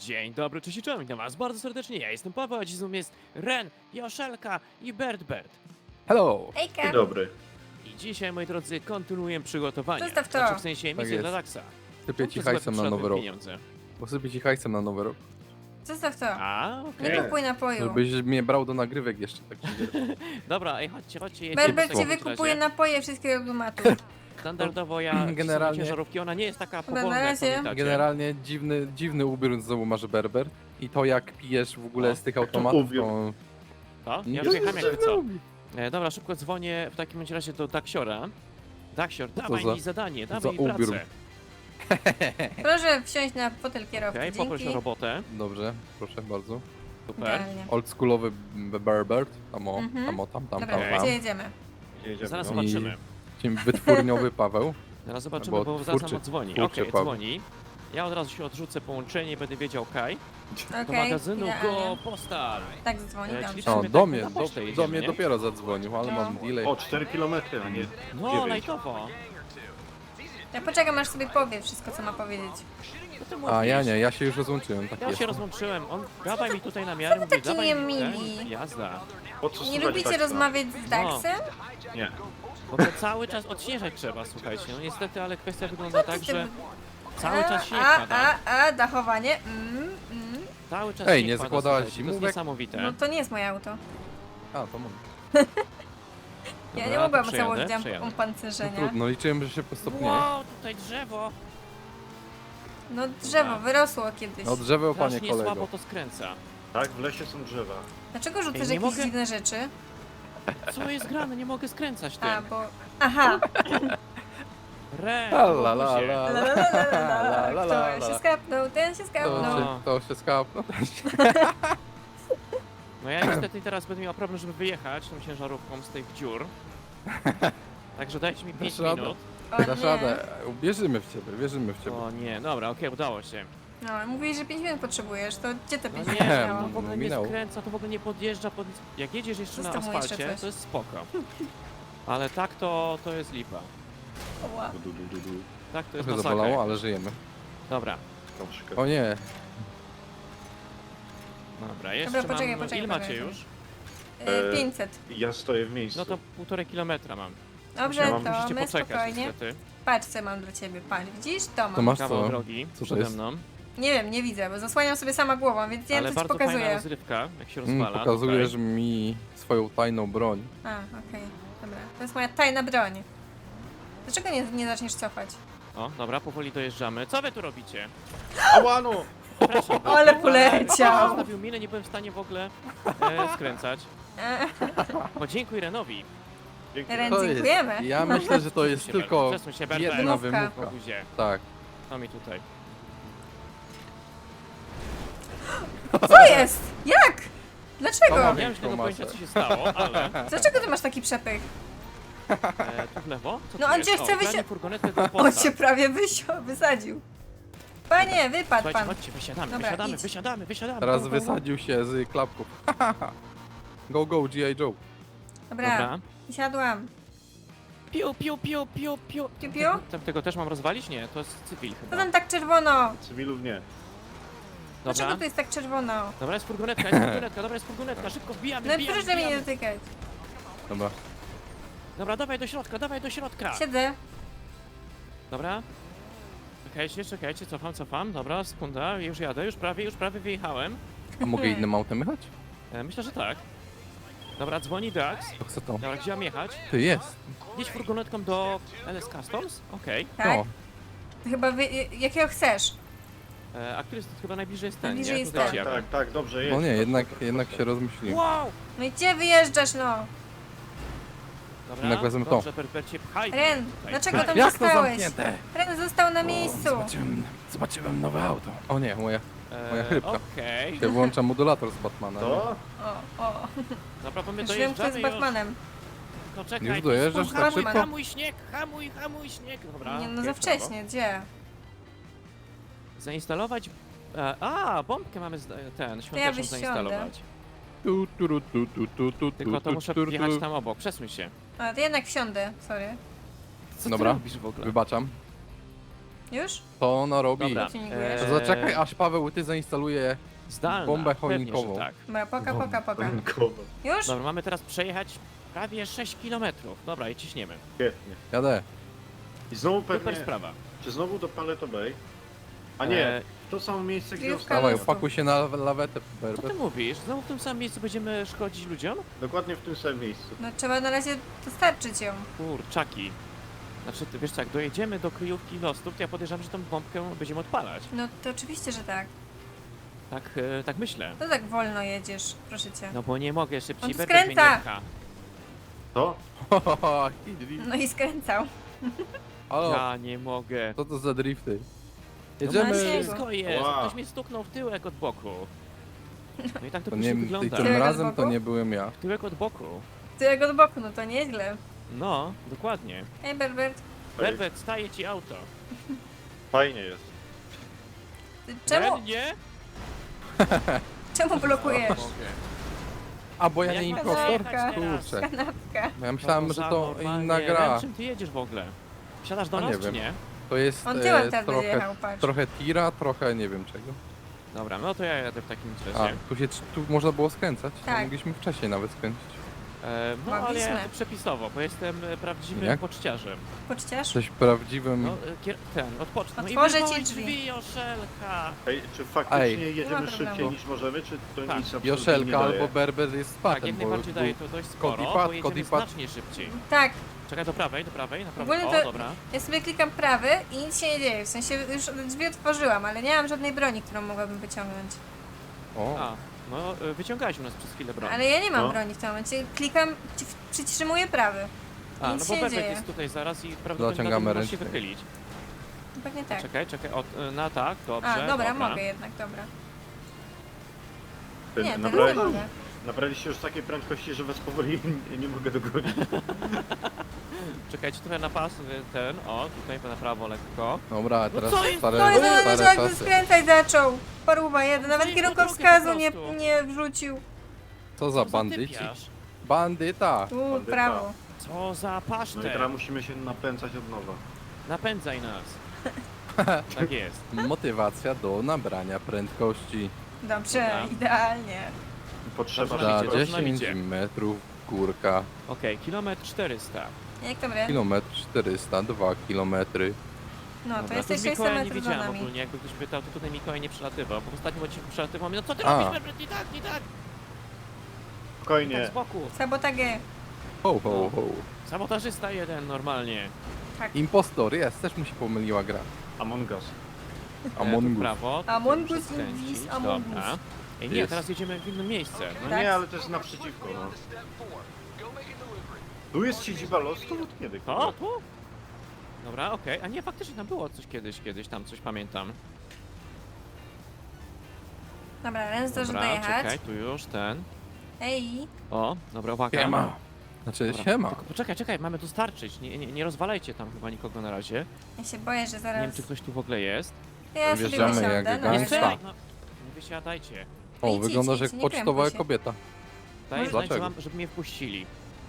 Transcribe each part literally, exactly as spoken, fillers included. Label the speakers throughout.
Speaker 1: Dzień dobry, cześć i czołem, witam was bardzo serdecznie, ja jestem Paweł, a dziś z nami jest Ren, Joszelka i Bert Bert.
Speaker 2: Hello!
Speaker 3: Ejka!
Speaker 4: Dzień dobry.
Speaker 1: I dzisiaj, moi drodzy, kontynuujemy przygotowania.
Speaker 3: Zostaw to.
Speaker 1: Znaczy w sensie
Speaker 2: Tak
Speaker 1: misję
Speaker 2: jest.
Speaker 1: dla Daxa.
Speaker 2: Sypię ci
Speaker 1: Są to
Speaker 2: hajsem na
Speaker 1: złe
Speaker 2: nowy rok.
Speaker 1: pieniądze.
Speaker 2: Posypię ci hajsem na nowy rok.
Speaker 3: Zostaw to.
Speaker 1: A, okej.
Speaker 3: Nie
Speaker 4: Nie.
Speaker 3: kupuj napoju.
Speaker 2: Żebyś mnie brał do nagrywek jeszcze. Tak
Speaker 1: Dobra, ej, chodźcie, chodźcie, jedziemy.
Speaker 3: Berbert
Speaker 1: w
Speaker 3: ci
Speaker 1: takim
Speaker 3: wykupuje
Speaker 1: razie.
Speaker 3: napoje wszystkiego automatu.
Speaker 1: Standardowo ja
Speaker 2: Generalnie-
Speaker 1: generalnie ciężarówki, ona nie jest taka
Speaker 3: Dobra, na
Speaker 1: powolna, jak
Speaker 3: razie.
Speaker 1: pamiętacie.
Speaker 2: Generalnie dziwny, dziwny ubiór znowu masz Berber. I to jak pijesz w ogóle
Speaker 1: O,
Speaker 2: z tych automatów,
Speaker 4: ubiór.
Speaker 2: to...
Speaker 1: To? Ja
Speaker 2: Nie
Speaker 1: wyjechałem jakby co.
Speaker 2: lubi.
Speaker 1: E, dobra, szybko dzwonię w takim bądź razie do Daxiora. Daxior,
Speaker 2: Co
Speaker 1: dawaj
Speaker 2: za-
Speaker 1: mi zadanie,
Speaker 2: za
Speaker 1: dawaj mi
Speaker 2: ubiór?
Speaker 1: pracę.
Speaker 3: Proszę wsiąść na fotel kierowcy.
Speaker 1: Okej, poproś
Speaker 3: Dzięki.
Speaker 1: o robotę.
Speaker 2: Dobrze, proszę bardzo.
Speaker 1: Super.
Speaker 3: Idealnie.
Speaker 2: Oldschoolowy Berber. Tam o,
Speaker 3: Mhm.
Speaker 2: tam o, tam, tam,
Speaker 3: Dobra,
Speaker 2: tam,
Speaker 1: Okej.
Speaker 2: tam.
Speaker 3: gdzie jedziemy?
Speaker 4: Jedziemy,
Speaker 1: Zaraz
Speaker 4: no.
Speaker 2: I-
Speaker 1: zobaczymy.
Speaker 2: Dzień wytwórniowy Paweł.
Speaker 1: Zaraz zobaczymy,
Speaker 2: Albo
Speaker 1: bo zaraz
Speaker 2: twórczy-
Speaker 1: nam odzwoni.
Speaker 2: twórczy
Speaker 1: Okej,
Speaker 2: Paweł.
Speaker 1: dzwoni. Ja od razu się odrzucę połączenie i będę wiedział, okej. Do
Speaker 3: Okej,
Speaker 1: magazynu
Speaker 3: idealnie.
Speaker 1: Go Postal.
Speaker 3: Tak dzwoni,
Speaker 1: E,
Speaker 3: dobrze.
Speaker 1: czyli-
Speaker 2: No,
Speaker 1: Musimy
Speaker 2: do
Speaker 1: tak
Speaker 2: mnie,
Speaker 1: na
Speaker 2: do,
Speaker 1: pocztę
Speaker 2: do
Speaker 1: jedziemy,
Speaker 2: mnie
Speaker 1: nie?
Speaker 2: dopiero zadzwonił, ale
Speaker 3: No.
Speaker 2: mam delay.
Speaker 4: O, cztery kilometry, a nie
Speaker 1: No,
Speaker 4: dziewięć.
Speaker 1: lajtowo.
Speaker 3: Ja poczekam, aż sobie powie wszystko, co ma powiedzieć.
Speaker 1: Co ty
Speaker 2: A ja
Speaker 1: mówisz?
Speaker 2: nie, ja się już rozłączyłem, tak
Speaker 1: Ja
Speaker 2: jest.
Speaker 1: się rozłączyłem. On dawaj mi tutaj na miarę, mówi,
Speaker 3: taki
Speaker 1: dawaj mi
Speaker 3: niemili?
Speaker 1: ten. Jazda.
Speaker 4: Po co
Speaker 3: Nie
Speaker 4: słuchać
Speaker 3: lubicie
Speaker 4: Daxa?
Speaker 3: rozmawiać z Daxem?
Speaker 4: Nie.
Speaker 1: Bo to cały czas odśnieżać trzeba, słuchajcie. No niestety, ale kwestia wygląda tak,
Speaker 3: ty-
Speaker 1: że cały czas śnieg
Speaker 3: A,
Speaker 1: pada.
Speaker 3: a, a, dachowanie. Mm, mm.
Speaker 1: Cały czas
Speaker 2: Ej,
Speaker 1: śnieg
Speaker 2: nie
Speaker 1: pada,
Speaker 2: zakładałaś
Speaker 1: słuchajcie, To jest
Speaker 2: zimówek?
Speaker 1: niesamowite.
Speaker 3: No to nie jest moje auto.
Speaker 2: A, to mam.
Speaker 3: Ja
Speaker 1: Dobra,
Speaker 3: nie
Speaker 1: to
Speaker 3: mogłam
Speaker 1: przejadę,
Speaker 3: założyć
Speaker 1: przejadę.
Speaker 2: No
Speaker 3: opancerzenia.
Speaker 2: trudno, liczyłem, że się postopnieje.
Speaker 1: Wow, tutaj drzewo.
Speaker 3: No drzewo wyrosło kiedyś.
Speaker 2: No drzewo, panie
Speaker 1: Strasznie
Speaker 2: kolego.
Speaker 1: słabo to skręca.
Speaker 4: Tak, w lesie są drzewa.
Speaker 3: Dlaczego
Speaker 1: Ej,
Speaker 3: rzucasz
Speaker 1: nie
Speaker 3: jakieś
Speaker 1: mogę-
Speaker 3: dziwne rzeczy?
Speaker 1: Co jest grane? Nie mogę skręcać tym.
Speaker 3: A, bo... Aha!
Speaker 1: Re,
Speaker 2: La la la
Speaker 1: obuzie.
Speaker 2: la
Speaker 3: La,
Speaker 2: la.
Speaker 3: la, la, la, la,
Speaker 2: La, la,
Speaker 3: la.
Speaker 2: la,
Speaker 3: Kto się
Speaker 2: la.
Speaker 3: skapnął, ten się
Speaker 2: To
Speaker 3: skapnął.
Speaker 1: No.
Speaker 2: się, to się skapnął.
Speaker 1: No ja niestety teraz będę miał problem, żeby wyjechać tą ciężarówką z tych dziur. Także dajcie mi pięć
Speaker 2: radę.
Speaker 1: minut.
Speaker 3: O
Speaker 2: Dasz
Speaker 3: nie.
Speaker 2: radę. Wierzymy w ciebie, wierzymy w ciebie.
Speaker 1: O nie, dobra, okej, udało się.
Speaker 3: No, mówisz, że pięć minut potrzebujesz, to gdzie te
Speaker 1: No
Speaker 3: pięć
Speaker 1: nie,
Speaker 3: minut
Speaker 1: to
Speaker 3: miało?
Speaker 1: w ogóle nie
Speaker 2: Minęło.
Speaker 1: skręca, to w ogóle nie podjeżdża pod... Jak jedziesz jeszcze na
Speaker 3: Zostaw mu jeszcze
Speaker 1: asfalcie,
Speaker 3: coś.
Speaker 1: to jest spoko. Ale tak to, to jest lipa.
Speaker 3: Ła.
Speaker 4: Du, du, du, du, du.
Speaker 1: Tak to jest
Speaker 2: Trochę
Speaker 1: masakra.
Speaker 2: zabolało, ale żyjemy.
Speaker 1: Dobra,
Speaker 4: Tam szyka-
Speaker 2: O nie,
Speaker 1: dobra, jeszcze
Speaker 3: poczekaj,
Speaker 1: mam...
Speaker 3: poczekaj,
Speaker 1: Ile macie
Speaker 3: poczekaj.
Speaker 1: już?
Speaker 3: Y,
Speaker 4: E,
Speaker 3: pięćset.
Speaker 4: Ja stoję w miejscu.
Speaker 1: No to półtorej kilometra mam.
Speaker 3: Dobrze,
Speaker 4: ja mam-
Speaker 3: to
Speaker 1: Musicie
Speaker 3: my
Speaker 1: poczekać
Speaker 3: spokojnie.
Speaker 1: niestety.
Speaker 3: Patrz, co mam dla ciebie. Patrz, widzisz? To mam.
Speaker 2: to masz
Speaker 1: Kawał
Speaker 2: co?
Speaker 1: drogi
Speaker 2: Co to
Speaker 1: przede
Speaker 2: jest?
Speaker 1: mną.
Speaker 3: Nie wiem, nie widzę, bo zasłaniam sobie sama głową, więc nie
Speaker 1: Ale
Speaker 3: wiem, co ci
Speaker 1: bardzo fajna
Speaker 3: pokazuję.
Speaker 1: rozrywka, jak się
Speaker 2: Mm,
Speaker 1: rozwala.
Speaker 2: pokazujesz
Speaker 1: tutaj.
Speaker 2: mi swoją tajną broń.
Speaker 3: A, okej. Dobra, to jest moja tajna broń. Dlaczego nie, nie zaczniesz cofać?
Speaker 1: O, dobra, powoli dojeżdżamy. Co wy tu robicie?
Speaker 4: Ała no!
Speaker 1: Przepraszam.
Speaker 3: Ale poleciał!
Speaker 1: Zostawił minę, nie byłem w stanie w ogóle e, skręcać.
Speaker 3: E,
Speaker 1: Podziękuj Renowi.
Speaker 4: Dzięki.
Speaker 3: Ren-
Speaker 2: To jest,
Speaker 3: Dziękujemy.
Speaker 2: ja myślę, że to jest
Speaker 1: Przesuń się,
Speaker 2: tylko
Speaker 1: Bert, przesuń się, Bert,
Speaker 2: jedna
Speaker 3: Wymówka.
Speaker 2: wymówka.
Speaker 1: Boguzie,
Speaker 2: Tak.
Speaker 1: to mi tutaj.
Speaker 3: Co jest? Jak? Dlaczego?
Speaker 2: Pomogę.
Speaker 1: Nie mam żadnego
Speaker 2: masę.
Speaker 1: pojęcia co się stało, ale
Speaker 3: Dlaczego ty masz taki przepych?
Speaker 1: e, tu w lewo? Co
Speaker 3: No
Speaker 1: tu
Speaker 3: on
Speaker 1: jest?
Speaker 3: cię chce
Speaker 1: O,
Speaker 3: wysi-
Speaker 1: wysi... furgonetkę do
Speaker 3: On
Speaker 1: posta.
Speaker 3: cię prawie wysio- wysadził. Panie, wypadł
Speaker 1: Słuchajcie,
Speaker 3: pan.
Speaker 1: chodźcie, wysiadamy,
Speaker 3: Dobra,
Speaker 1: wysiadamy,
Speaker 3: idź.
Speaker 1: wysiadamy, wysiadamy.
Speaker 2: Teraz
Speaker 1: Go, go, go.
Speaker 2: wysadził się z klapków. Go, go, G I Joe.
Speaker 3: Dobra,
Speaker 1: Dobra.
Speaker 3: wysiadłam.
Speaker 1: Piu, piu, piu, piu, piu.
Speaker 3: Piu, piu?
Speaker 1: Tam tego też mam rozwalić? Nie, to jest cywil
Speaker 3: Co
Speaker 1: chyba.
Speaker 3: tam tak czerwono?
Speaker 4: Cywilów nie.
Speaker 3: Dlaczego
Speaker 1: Dobra,
Speaker 3: tu jest tak czerwono?
Speaker 1: dobra, jest furgonetka, jest furgonetka, dobra, jest furgonetka, szybko wbijamy,
Speaker 3: No
Speaker 1: wbijamy,
Speaker 3: proszę mnie nie
Speaker 1: wbijamy.
Speaker 3: dotykać.
Speaker 2: Dobra.
Speaker 1: Dobra, dawaj do środka, dawaj do środka.
Speaker 3: Siedzę.
Speaker 1: Dobra. Czekajcie, czekajcie, cofam, cofam. Dobra, sekunda, już jadę, już prawie, już prawie wyjechałem.
Speaker 2: A mogę innym autem jechać?
Speaker 1: E, myślę, że tak. Dobra, dzwoni Dax.
Speaker 2: To chcę to.
Speaker 1: Dobra, gdzie mam jechać?
Speaker 2: Ty jest.
Speaker 1: Jedź furgonetką do L S Customs? Okej.
Speaker 3: Tak?
Speaker 2: No.
Speaker 3: Chyba wy, jakiego chcesz?
Speaker 1: E, A który jest chyba najbliżej jest ten,
Speaker 3: Najbliżej
Speaker 1: nie?
Speaker 3: jest
Speaker 1: Tutaj
Speaker 3: ten.
Speaker 1: jadę.
Speaker 4: Tak, tak, dobrze jest.
Speaker 2: No nie, jednak, jednak się rozmyśliłem.
Speaker 1: Wow!
Speaker 3: No i gdzie wyjeżdżasz, no?
Speaker 1: Dobra,
Speaker 2: Jednak wezmę to.
Speaker 1: dobrze, Berbercie, pchaj. mnie
Speaker 3: Ren,
Speaker 1: tutaj.
Speaker 3: dlaczego tam
Speaker 2: Jak to
Speaker 3: zostałeś?
Speaker 2: zamknięte?
Speaker 3: Ren został na miejscu.
Speaker 2: Zobaczyłem, zobaczyłem nowe auto. O nie, moja.
Speaker 1: E,
Speaker 2: moja chrypka.
Speaker 1: Okej.
Speaker 2: Ja włączam modulator z Batmana.
Speaker 4: To?
Speaker 3: O, o.
Speaker 1: Dobra, bo my
Speaker 3: Już wiem, kto jest
Speaker 1: dojeżdżamy już.
Speaker 3: Batmanem.
Speaker 1: No czekaj,
Speaker 2: Już
Speaker 1: to
Speaker 2: dojeżdżasz
Speaker 1: spójrz,
Speaker 3: tak
Speaker 1: hamuj,
Speaker 3: szybko?
Speaker 1: hamuj śnieg, hamuj, hamuj śnieg. Dobra,
Speaker 3: Nie, no
Speaker 1: okej,
Speaker 3: za
Speaker 1: w prawo.
Speaker 3: wcześnie, gdzie?
Speaker 1: Zainstalować... E, a, bombkę mamy z, ten, świąteczną
Speaker 3: wysiądę.
Speaker 1: zainstalować.
Speaker 2: Tu, tu, tu, tu, tu, tu, tu,
Speaker 1: Tylko to
Speaker 2: tu,
Speaker 1: muszę
Speaker 2: tu, tu.
Speaker 1: wjechać tam obok, przesuń się.
Speaker 3: A, to jednak wsiądę, sorry.
Speaker 1: Co
Speaker 2: Dobra.
Speaker 1: ty robisz w ogóle?
Speaker 2: Wybaczam.
Speaker 3: Już?
Speaker 2: To ona robi.
Speaker 1: Dobra.
Speaker 3: Tuningujesz?
Speaker 1: Eee,
Speaker 2: Zaczekaj, aż Paweł, ty zainstaluje.
Speaker 1: Zdalna,
Speaker 2: bombę
Speaker 1: pewnie,
Speaker 2: choinkową.
Speaker 1: że tak.
Speaker 3: Dobra, poka, poka, poka.
Speaker 4: Rynkowo.
Speaker 3: Już?
Speaker 1: Dobra, mamy teraz przejechać prawie sześć kilometrów. Dobra, i ciśniemy.
Speaker 4: Świetnie.
Speaker 2: Jadę.
Speaker 4: I znowu
Speaker 1: Super
Speaker 4: pewnie,
Speaker 1: sprawa.
Speaker 4: czy znowu do Paleto Bay? A nie,
Speaker 1: Eee,
Speaker 4: w to samo miejsce, gdzie
Speaker 3: Kryjówka.
Speaker 4: ostatnio.
Speaker 2: Dawaj,
Speaker 3: Mocno.
Speaker 2: opakuj się na lawetę,
Speaker 1: Co
Speaker 2: Berber.
Speaker 1: ty mówisz? Znowu w tym samym miejscu będziemy szkodzić ludziom?
Speaker 4: Dokładnie w tym samym miejscu.
Speaker 3: No trzeba na razie dostarczyć ją.
Speaker 1: Kurczaki. Znaczy, ty wiesz co, jak dojedziemy do kryjówki Lostów, to ja podejrzewam, że tą bombkę będziemy odpalać.
Speaker 3: No to oczywiście, że tak.
Speaker 1: Tak, e, tak myślę.
Speaker 3: To tak wolno jedziesz, proszę cię.
Speaker 1: No bo nie mogę szybciej,
Speaker 3: On tu
Speaker 1: Berber mnie nie
Speaker 3: skręca.
Speaker 1: pcha.
Speaker 4: To?
Speaker 3: No i skręcał.
Speaker 2: Halo,
Speaker 1: Ja nie mogę.
Speaker 2: co to za drifty?
Speaker 1: No
Speaker 2: Jedziemy.
Speaker 3: macie-
Speaker 1: wszystko jest.
Speaker 4: Wow.
Speaker 1: Ktoś mnie stuknął w tyłek od boku. No i tak to
Speaker 2: To
Speaker 1: później
Speaker 2: nie, ty,
Speaker 1: wygląda.
Speaker 2: tym
Speaker 3: Tyłek od
Speaker 2: razem to
Speaker 3: boku?
Speaker 2: nie byłem ja.
Speaker 1: W tyłek od boku.
Speaker 3: Ty jak od boku, no to nieźle.
Speaker 1: No, dokładnie.
Speaker 3: Ej, Berbert,
Speaker 1: Berbert, staje ci auto.
Speaker 4: Fajnie jest.
Speaker 3: ty czemu,
Speaker 1: Ben, nie?
Speaker 3: czemu blokujesz?
Speaker 1: Mogę.
Speaker 2: A bo ja
Speaker 1: Jak
Speaker 2: nie
Speaker 1: mam
Speaker 2: impostor?
Speaker 1: zajechać teraz?
Speaker 2: Kurczę.
Speaker 3: Kanapka.
Speaker 2: Ja myślałem,
Speaker 1: No
Speaker 2: że
Speaker 1: za
Speaker 2: to
Speaker 1: normalnie.
Speaker 2: inna gra.
Speaker 1: Ben, czym ty jedziesz w ogóle? Wsiadasz do
Speaker 2: A
Speaker 1: nas,
Speaker 2: nie
Speaker 1: czy
Speaker 2: wiem.
Speaker 1: nie?
Speaker 2: To jest
Speaker 3: On tyłem
Speaker 2: e,
Speaker 3: teraz będzie
Speaker 2: trochę,
Speaker 3: jechał, patrz.
Speaker 2: trochę tira, trochę nie wiem czego.
Speaker 1: Dobra, no to ja jadę w takim
Speaker 2: A,
Speaker 1: razie.
Speaker 2: tu, się, tu można było skręcać?
Speaker 3: Tak.
Speaker 2: To mogliśmy wcześniej nawet skręcić.
Speaker 1: E, no ale ja
Speaker 3: Mogliśmy.
Speaker 1: jadę przepisowo, bo jestem e, prawdziwym
Speaker 2: Jak?
Speaker 1: poczciarzem.
Speaker 3: Poczciarz?
Speaker 2: Jesteś prawdziwym...
Speaker 1: No, e, kier- ten, odpocznij. No i
Speaker 3: Otworzę ci
Speaker 1: wyrwałeś
Speaker 3: drzwi.
Speaker 1: drzwi, Joszelka!
Speaker 4: Ej, czy faktycznie
Speaker 2: Ej.
Speaker 3: Nie
Speaker 4: jedziemy
Speaker 3: ma
Speaker 4: szybciej
Speaker 3: problemu.
Speaker 4: niż możemy, czy to
Speaker 1: Tak.
Speaker 4: nic absolutnie
Speaker 2: Joszelka
Speaker 4: nie daje?
Speaker 2: albo Berber jest
Speaker 1: Tak,
Speaker 2: spatem,
Speaker 1: jak
Speaker 2: bo
Speaker 1: najbardziej daje
Speaker 2: był-
Speaker 1: to dość sporo,
Speaker 2: Kodipat,
Speaker 1: bo jedziemy
Speaker 2: Kodipat.
Speaker 1: znacznie szybciej.
Speaker 3: Tak,
Speaker 1: Czekaj, do prawej, do prawej, na prawo.
Speaker 3: Ogólnie
Speaker 1: O,
Speaker 3: to-
Speaker 1: dobra.
Speaker 3: ja sobie klikam prawy i nic się nie dzieje. W sensie już drzwi otworzyłam, ale nie mam żadnej broni, którą mogłabym wyciągnąć.
Speaker 2: O,
Speaker 1: A, no e, wyciągałeś u nas przez chwilę broń.
Speaker 3: Ale ja nie mam
Speaker 4: No.
Speaker 3: broni w tym momencie. Klikam, ci- przytrzymuję prawy.
Speaker 1: A, no
Speaker 3: nic
Speaker 1: bo
Speaker 3: się nie
Speaker 1: Berbek
Speaker 3: dzieje.
Speaker 1: jest tutaj zaraz i prawdopodobnie
Speaker 2: Zaciągamy
Speaker 1: możesz się
Speaker 2: ręczny.
Speaker 1: wychylić.
Speaker 3: Pewnie tak.
Speaker 1: Czekaj, czekaj, o, e, na tak, dobrze,
Speaker 3: A, dobra, mogę jednak, dobra.
Speaker 4: Ty,
Speaker 3: Nie, teraz nie
Speaker 4: nabrali-
Speaker 3: mogę.
Speaker 4: Nabraliście już takiej prędkości, że was powoli nie, nie mogę dogonić.
Speaker 1: Czekajcie trochę na pas, e, ten, o, tutaj na prawo lekko.
Speaker 2: dobra, teraz
Speaker 1: co jest?
Speaker 2: stare,
Speaker 3: No i zaraz
Speaker 2: stare
Speaker 3: jakby
Speaker 2: czasy.
Speaker 3: skręcać zaczął. Paruwa jeden, nawet
Speaker 1: Zajmij
Speaker 3: kierunkowskazu
Speaker 1: drogę
Speaker 3: nie,
Speaker 1: po prostu.
Speaker 3: nie wrzucił.
Speaker 2: Co za bandyci?
Speaker 1: typiarz?
Speaker 2: Bandyta!
Speaker 3: Tu,
Speaker 4: Bandyta.
Speaker 3: prawo.
Speaker 1: Co za
Speaker 4: No i
Speaker 1: pasztet!
Speaker 4: teraz musimy się napędzać od nowa.
Speaker 1: Napędzaj nas. Tak jest.
Speaker 2: Motywacja do nabrania prędkości.
Speaker 3: Dobrze,
Speaker 1: Dobra.
Speaker 3: idealnie.
Speaker 4: Potrzeba
Speaker 1: Dobrze,
Speaker 2: Za
Speaker 1: Dobrze,
Speaker 4: szybko.
Speaker 1: dobrze.
Speaker 2: dziesięć metrów górka.
Speaker 1: Okej, kilometr czterysta.
Speaker 3: Jak tam re?
Speaker 2: Kilometr czterysta, dwa kilometry.
Speaker 3: No, to
Speaker 1: Dobra,
Speaker 3: jesteś
Speaker 1: tu
Speaker 3: sześćset
Speaker 1: Mikołaja nie
Speaker 3: metrów za
Speaker 1: widziałem
Speaker 3: nami.
Speaker 1: ogólnie, jakby ktoś pytał, to tutaj Mikołaj nie przelatywał, bo w ostatnim odcinku przelatywał mi, no co ty
Speaker 2: A.
Speaker 1: robisz, Berbert, nie tak, nie tak! Tak
Speaker 4: Spokojnie.
Speaker 1: z boku.
Speaker 3: Sabotagę.
Speaker 2: Ho, ho, ho.
Speaker 1: Sabotażysta jeden, normalnie.
Speaker 2: Impostor jest, też mu się pomyliła gra.
Speaker 4: Among Us.
Speaker 1: E, tu
Speaker 2: Among
Speaker 1: w
Speaker 2: Us.
Speaker 1: prawo. tutaj
Speaker 3: Among
Speaker 1: muszę
Speaker 3: Us
Speaker 1: skręcić,
Speaker 3: is Among
Speaker 1: dobra.
Speaker 3: Us.
Speaker 1: Ej, nie,
Speaker 2: Jest.
Speaker 1: teraz jedziemy w inne miejsce.
Speaker 4: No
Speaker 3: Tak.
Speaker 4: nie, ale to jest naprzeciwko, no. Tu jest siedziba Lostu? Od kiedy?
Speaker 1: O,
Speaker 4: kurwa?
Speaker 1: tu? Dobra, okej. A nie, faktycznie tam było coś kiedyś, kiedyś tam coś pamiętam.
Speaker 3: Dobra, Ren zdąży
Speaker 1: Dobra,
Speaker 3: dojechać.
Speaker 1: czekaj, tu już ten.
Speaker 3: Ej,
Speaker 1: O, dobra, uwaga.
Speaker 2: Siema. Znaczy,
Speaker 1: Dobra,
Speaker 2: siema.
Speaker 1: Tylko poczekaj, czekaj, mamy dostarczyć. Nie, nie, nie rozwalajcie tam chyba nikogo na razie.
Speaker 3: ja się boję, że
Speaker 1: Nie
Speaker 3: zaraz...
Speaker 1: wiem, czy ktoś tu w ogóle jest.
Speaker 3: Ja sobie
Speaker 2: Wjeżdżamy
Speaker 3: wysiądę,
Speaker 2: jak
Speaker 3: no
Speaker 1: Nie
Speaker 2: gangsta.
Speaker 3: jeszcze.
Speaker 1: strzelaj, no. Nie wysiadajcie.
Speaker 2: O,
Speaker 3: idź,
Speaker 2: wyglądasz
Speaker 3: idź,
Speaker 2: jak
Speaker 3: idź, nie
Speaker 2: pocztowa
Speaker 3: krępuj się.
Speaker 2: kobieta.
Speaker 1: Daj znać,
Speaker 2: Dlaczego?
Speaker 1: że mam, żeby mnie wpuścili.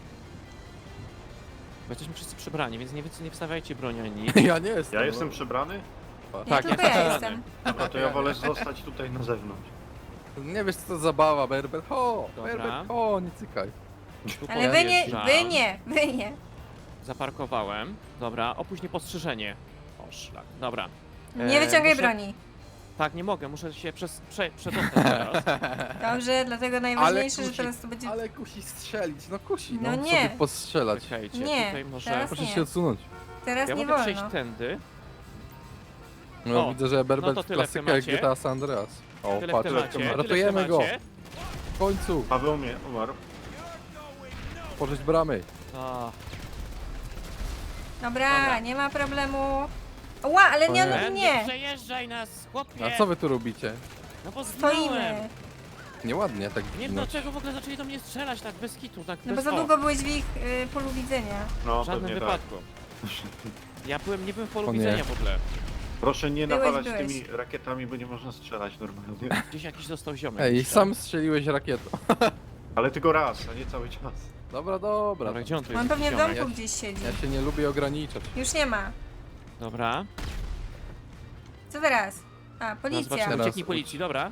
Speaker 1: Bo jesteśmy wszyscy przebrani, więc nie, wy- nie wstawiajcie broni ani nic.
Speaker 2: Ja nie jestem.
Speaker 4: Ja jestem przebrany?
Speaker 3: Nie,
Speaker 1: Tak,
Speaker 3: tylko
Speaker 1: ja
Speaker 3: ja
Speaker 1: jestem
Speaker 3: jestem.
Speaker 4: Dobra, to ja wolę zostać tutaj na zewnątrz.
Speaker 2: Nie wiesz co to zabawa, Berber. Ho,
Speaker 1: Dobra.
Speaker 2: Berber, ho, nie cykaj.
Speaker 1: Tu
Speaker 3: Ale wy nie,
Speaker 1: podjeżdżam.
Speaker 3: wy nie, wy nie.
Speaker 1: Zaparkowałem. Dobra, opuść niepostrzeżenie. O, szlak. Dobra.
Speaker 3: Nie
Speaker 1: E,
Speaker 3: wyciągaj
Speaker 1: muszę-
Speaker 3: broni.
Speaker 1: Tak, nie mogę, muszę się przez, prze, przedostać teraz.
Speaker 3: Dobrze, dlatego najważniejsze, że
Speaker 2: kusi,
Speaker 3: teraz to będzie...
Speaker 2: Ale kusi strzelić, no kusi, no,
Speaker 3: No nie.
Speaker 2: sobie postrzelać.
Speaker 1: Czekajcie,
Speaker 3: Nie,
Speaker 1: tutaj może...
Speaker 3: teraz
Speaker 2: Proszę
Speaker 3: nie.
Speaker 2: się odsunąć.
Speaker 3: Teraz
Speaker 1: Ja
Speaker 3: nie
Speaker 1: mogę przejść
Speaker 3: wolno.
Speaker 1: tędy.
Speaker 2: No
Speaker 1: O,
Speaker 2: widzę, że Berber
Speaker 1: no to
Speaker 2: w
Speaker 1: tyle w
Speaker 2: klasykę jak
Speaker 1: temacie.
Speaker 2: G T A San Andreas. O,
Speaker 1: Tyle w
Speaker 2: patrz,
Speaker 1: temacie, tyle w
Speaker 2: ratujemy go,
Speaker 1: temacie.
Speaker 2: w końcu,
Speaker 4: Paweł mnie umarł.
Speaker 2: pożyć bramy.
Speaker 1: A,
Speaker 3: Dobra,
Speaker 1: Dobra.
Speaker 3: nie ma problemu. Ła, ale nie,
Speaker 2: O nie.
Speaker 3: no
Speaker 1: Ben, nie
Speaker 3: nie.
Speaker 1: przejeżdżaj nas, chłopie!
Speaker 2: A co wy tu robicie?
Speaker 1: No bo zginąłem.
Speaker 3: Stoimy.
Speaker 2: Nieładnie tak
Speaker 1: Nie wiem
Speaker 2: ginąć.
Speaker 1: dlaczego w ogóle zaczęli do mnie strzelać tak bez kitu, tak
Speaker 3: No bo
Speaker 1: bez
Speaker 3: za
Speaker 1: o,
Speaker 3: długo byłeś w ich y, polu widzenia.
Speaker 4: No,
Speaker 1: w żadnym
Speaker 4: pewnie tak.
Speaker 1: wypadku. Ja byłem, nie byłem w polu
Speaker 2: O nie.
Speaker 1: widzenia w ogóle.
Speaker 4: Proszę nie
Speaker 3: Byłeś,
Speaker 4: nawalać
Speaker 3: byłeś.
Speaker 4: tymi rakietami, bo nie można strzelać normalnie.
Speaker 1: Gdzieś jakiś został ziomek.
Speaker 2: Ej,
Speaker 1: myślę.
Speaker 2: sam strzeliłeś rakietą.
Speaker 4: Ale tylko raz, a nie cały czas.
Speaker 2: Dobra, dobra.
Speaker 1: Dobra, gdzie on tu jest?
Speaker 3: On pewnie w
Speaker 1: ziomek?
Speaker 3: domku gdzieś siedzi.
Speaker 2: Ja się nie lubię ograniczać.
Speaker 3: Już nie ma.
Speaker 1: Dobra.
Speaker 3: Co teraz? A,
Speaker 1: No,
Speaker 3: policja.
Speaker 1: zobaczymy,
Speaker 2: Teraz
Speaker 1: ucieknij
Speaker 2: uci-
Speaker 1: policji, dobra.